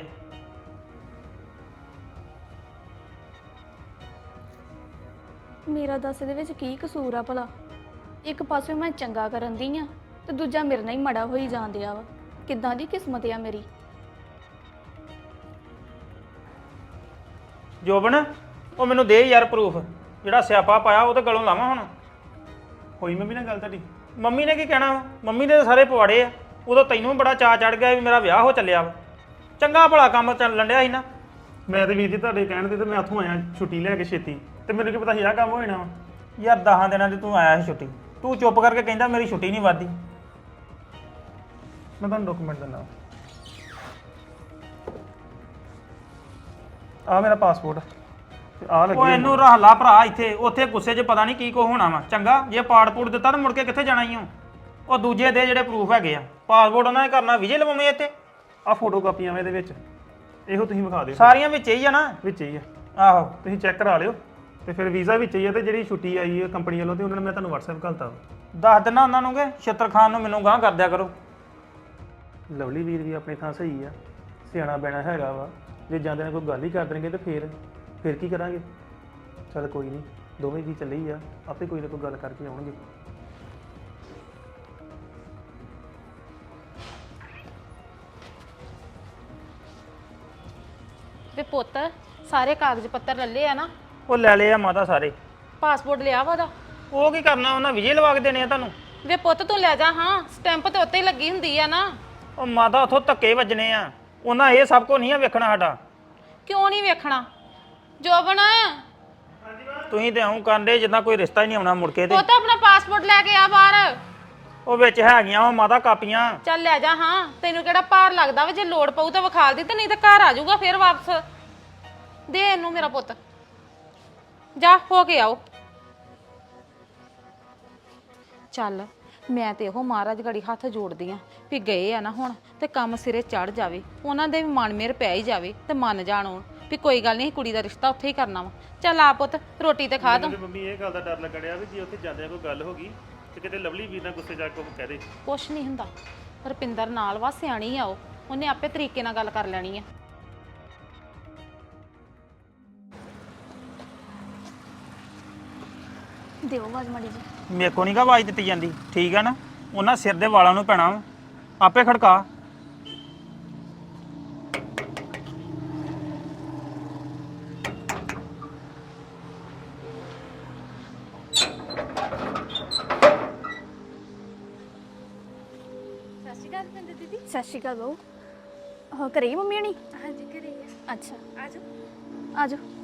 ਮੇਰਾ ਦੱਸ ਇਹਦੇ ਵਿੱਚ ਕੀ ਕਸੂਰ ਆ ਭਲਾ? ਇੱਕ ਪਾਸੇ ਮੈਂ ਚੰਗਾ ਕਰਨ ਦੀ ਆ ਤੇ ਦੂਜਾ ਮੇਰੇ ਨਾਲ ਹੀ ਮੜਾ ਹੋਈ ਜਾਂਦਿਆ ਵਾ। ਕਿੱਦਾਂ ਦੀ ਕਿਸਮਤ ਆ ਮੇਰੀ।
ਜੋਬਨ ਉਹ ਮੈਨੂੰ ਦੇ ਯਾਰ ਪ੍ਰੂਫ ਜਿਹੜਾ ਸਿਆਪਾ ਪਾਇਆ ਉਹ ਤੇ ਗਲੋਂ ਲਾਵਾਂ ਹੁਣ।
ਹੋਈ ਮੰਮੀ ਨਾਲ ਗੱਲ ਤੁਹਾਡੀ?
ਮੰਮੀ ਨੇ ਕੀ ਕਹਿਣਾ ਵਾ? ਮੰਮੀ ਦੇ ਤਾਂ ਸਾਰੇ ਪਵਾੜੇ ਆ। ਉਦੋਂ ਤੈਨੂੰ ਵੀ ਬੜਾ ਚਾਅ ਚੜ ਗਿਆ ਵੀ ਮੇਰਾ ਵਿਆਹ ਹੋ ਚੱਲਿਆ ਵਾ। ਚੰਗਾ ਭਲਾ ਕੰਮ ਚੱਲਣ ਡਿਆ ਸੀ ਨਾ।
ਮੈਂ ਤੇ ਵੀਰ ਜੀ ਤੁਹਾਡੇ ਕਹਿਣ ਤੇ ਤੇ ਮੈਂ ਉੱਥੋਂ ਆਇਆ ਛੁੱਟੀ ਲੈ ਕੇ ਛੇਤੀ, ਤੇ ਮੈਨੂੰ ਕੀ ਪਤਾ ਸੀ ਆਹ ਕੰਮ ਹੋ ਜਾਣਾ ਵਾ।
ਯਾਰ ਦਸਾਂ ਦਿਨਾਂ ਦੀ ਤੂੰ ਆਇਆ ਸੀ ਛੁੱਟੀ। ਤੂੰ ਚੁੱਪ ਕਰਕੇ ਕਹਿੰਦਾ ਮੇਰੀ ਛੁੱਟੀ ਨਹੀਂ ਵੱਧਦੀ।
ਮੈਂ ਤੁਹਾਨੂੰ ਡਾਕੂਮੈਂਟ ਦਿੰਦਾ। ਆ ਮੇਰਾ ਪਾਸਪੋਰਟ ਤੇ ਆ
ਉਹ
ਲੱਗੀ
ਇਹਨੂੰ ਰੱਖ ਲਾ ਭਰਾ ਇੱਥੇ। ਉੱਥੇ ਗੁੱਸੇ 'ਚ ਪਤਾ ਨਹੀਂ ਕੀ ਕੋ ਹੋਣਾ ਵਾ। ਚੰਗਾ ਜੇ ਪਾਸਪੋਰਟ ਦਿੱਤਾ ਤਾਂ ਮੁੜ ਕੇ ਕਿੱਥੇ ਜਾਣਾ ਈ ਓ। ਉਹ ਦੂਜੇ ਦੇ ਜਿਹੜੇ ਪ੍ਰੂਫ ਹੈਗੇ ਆ। ਪਾਸਪੋਰਟ ਉਹਨਾਂ ਨੇ ਕਰਨਾ ਵਿਜੇ ਲਵਾਉਣੇ ਇੱਥੇ।
ਆ ਫੋਟੋ ਕਾਪੀਆਂ ਵਾ ਇਹਦੇ ਵਿੱਚ, ਇਹੋ ਤੁਸੀਂ ਵਿਖਾ ਦਿਓ।
ਸਾਰੀਆਂ ਵਿੱਚ ਹੀ ਆ ਨਾ।
ਵਿੱਚ ਹੀ ਆ,
ਆਹੋ
ਤੁਸੀਂ ਚੈੱਕ ਕਰਾ ਲਿਓ। ਤੇ ਫਿਰ ਵੀਜ਼ਾ ਵਿੱਚ ਹੀ ਆ ਤੇ ਜਿਹੜੀ ਛੁੱਟੀ ਆਈ ਹੈ ਕੰਪਨੀ ਵੱਲੋਂ ਤੇ ਉਹਨਾਂ ਨੇ ਮੈਂ ਤੁਹਾਨੂੰ WhatsApp ਕਰਤਾ।
ਦੱਸ ਦਿਨਾ ਉਹਨਾਂ ਨੂੰ ਕਿ ਛਿੱਤਰ ਖਾਨ ਨੂੰ ਮੈਨੂੰ ਗਾਂਹ ਕਰ ਦਿਆ ਕਰੋ।
ਲਵਲੀ ਵੀਰ ਵੀ ਆਪਣੀ ਥਾਂ ਸਹੀ ਆ, ਸਿਆਣਾ ਬੈਣਾ ਹੈਗਾ ਵਾ। ਜੇ ਜਾਂਦੇ ਨੇ ਕੋਈ ਗੱਲ ਹੀ ਕਰ ਦੇਣਗੇ ਤੇ ਫਿਰ ਫਿਰ ਕੀ ਕਰਾਂਗੇ? ਚੱਲ ਕੋਈ ਨਹੀਂ, ਦੋਵੇਂ ਜੀ ਚੱਲੇ ਹੀ ਆ, ਆਪੇ ਕੋਈ ਨਾ ਕੋਈ ਗੱਲ ਕਰਕੇ ਆਉਣਗੇ।
ਵੇ ਪੁੱਤ ਸਾਰੇ ਕਾਗਜ਼ ਪੱਤਰ ਲੱਲੇ ਆ ਨਾ?
ਉਹ ਲੈ ਲਏ ਆ ਮਾਤਾ ਸਾਰੇ।
ਪਾਸਪੋਰਟ ਲਿਆ ਵਾ ਉਹਦਾ?
ਉਹ ਕੀ ਕਰਨਾ ਉਹਨਾਂ ਵਿਜੇ ਲਵਾ ਕੇ ਦੇਣੇ ਆ ਤੁਹਾਨੂੰ।
ਵੇ ਪੁੱਤ ਤੂੰ ਲੈ ਜਾ ਹਾਂ, ਸਟੈਂਪ ਤੇ ਉੱਤੇ ਹੀ ਲੱਗੀ ਹੁੰਦੀ ਆ ਨਾ।
ਉਹ ਮਾਤਾ ਉੱਥੋਂ ਧੱਕੇ ਵੱਜਣੇ ਆ। ਉਹਨਾਂ ਇਹ ਸਭ ਕੁਝ ਨਹੀਂ ਆ ਵੇਖਣਾ ਸਾਡਾ।
ਕਿਉਂ ਨਹੀਂ ਵੇਖਣਾ? ਜੋਬਨ
ਤੁਸੀਂ ਤੇ ਆਉਂ ਕਰਦੇ ਜਿੱਦਾਂ ਕੋਈ ਰਿਸ਼ਤਾ ਹੀ ਨਹੀਂ ਆਉਣਾ ਮੁੜ ਕੇ ਤੇ।
ਪੁੱਤ ਆਪਣਾ ਪਾਸਪੋਰਟ ਲੈ ਕੇ ਆ ਬਾਹਰ।
ਉਹ ਵਿੱਚ ਹੈਗੀਆਂ ਉਹ ਮਾਤਾ ਕਾਪੀਆਂ।
ਚੱਲ ਲੈ ਜਾ ਹਾਂ, ਤੈਨੂੰ ਕਿਹੜਾ ਭਾਰ ਲੱਗਦਾ ਵਾ? ਜੇ ਲੋੜ ਪਊ ਤਾਂ ਵਿਖਾਲ ਦੀ, ਤੇ ਨਹੀਂ ਤਾਂ ਘਰ ਆ ਜਾਊਗਾ ਫਿਰ ਵਾਪਸ। ਦੇ ਇਹਨੂੰ ਮੇਰਾ ਪੁੱਤ, ਜਾ ਹੋ ਕੇ ਆਓ। ਚੱਲ ਮੈਂ ਤੇ ਇਹੋ ਮਹਾਰਾਜ ਗੜੀ ਹੱਥ ਜੋੜਦੀ ਆ ਵੀ ਗਏ ਆ ਨਾ ਹੁਣ ਤੇ ਕੰਮ ਸਿਰੇ ਚੜ ਜਾਵੇ, ਉਹਨਾਂ ਦੇ ਵੀ ਮਨ ਮੇਰ ਪੈ ਹੀ ਜਾਵੇ ਤੇ ਮੰਨ ਜਾਣ ਉਹ ਵੀ ਕੋਈ ਗੱਲ ਨਹੀਂ ਕੁੜੀ ਦਾ ਰਿਸ਼ਤਾ ਉੱਥੇ ਹੀ ਕਰਨਾ ਵਾ। ਚੱਲ ਆ ਪੁੱਤ ਰੋਟੀ ਤੇ ਖਾ ਤੂੰ।
ਮੰਮੀ ਇਹ ਗੱਲ ਦਾ ਡਰ ਲੱਗੜਿਆ ਵੀ ਜੇ ਉੱਥੇ ਜਾਂਦਿਆਂ ਕੋਈ ਗੱਲ ਹੋ ਗਈ ਤੇ ਕਿਤੇ ਲਵਲੀ ਵੀਰ ਨਾਲ ਗੁੱਸੇ ਜਾ ਕੇ ਉਹ ਕਹਿ ਦੇ।
ਕੁਛ ਨਹੀਂ ਹੁੰਦਾ, ਰੁਪਿੰਦਰ ਨਾਲ ਵਾ, ਸਿਆਣੀ ਆ ਉਹ, ਉਹਨੇ ਆਪੇ ਤਰੀਕੇ ਨਾਲ ਗੱਲ ਕਰ ਲੈਣੀ ਆ।
ਦਿਓ ਆਵਾਜ਼ ਮਾੜੀ ਜੀ।
ਮੇਰੇ ਕੋ ਨਹੀਂ ਗਾ ਆਵਾਜ਼ ਦਿੱਤੀ ਜਾਂਦੀ, ਠੀਕ ਆ ਨਾ? ਉਹਨਾਂ ਸਿਰ ਦੇ ਵਾਲਾਂ ਨੂੰ ਪੈਣਾ ਵਾ, ਆਪੇ ਖੜਕਾ।
ਸਤਿ ਸ਼੍ਰੀ ਅਕਾਲ ਬਹੂ। ਹਾਂ ਘਰੇ ਹੀ ਮੰਮੀ ਹਣੀ? ਹਾਂਜੀ ਘਰੇ ਹੀ ਆ। ਅੱਛਾ ਆ ਜਾਓ ਆ ਜਾਓ।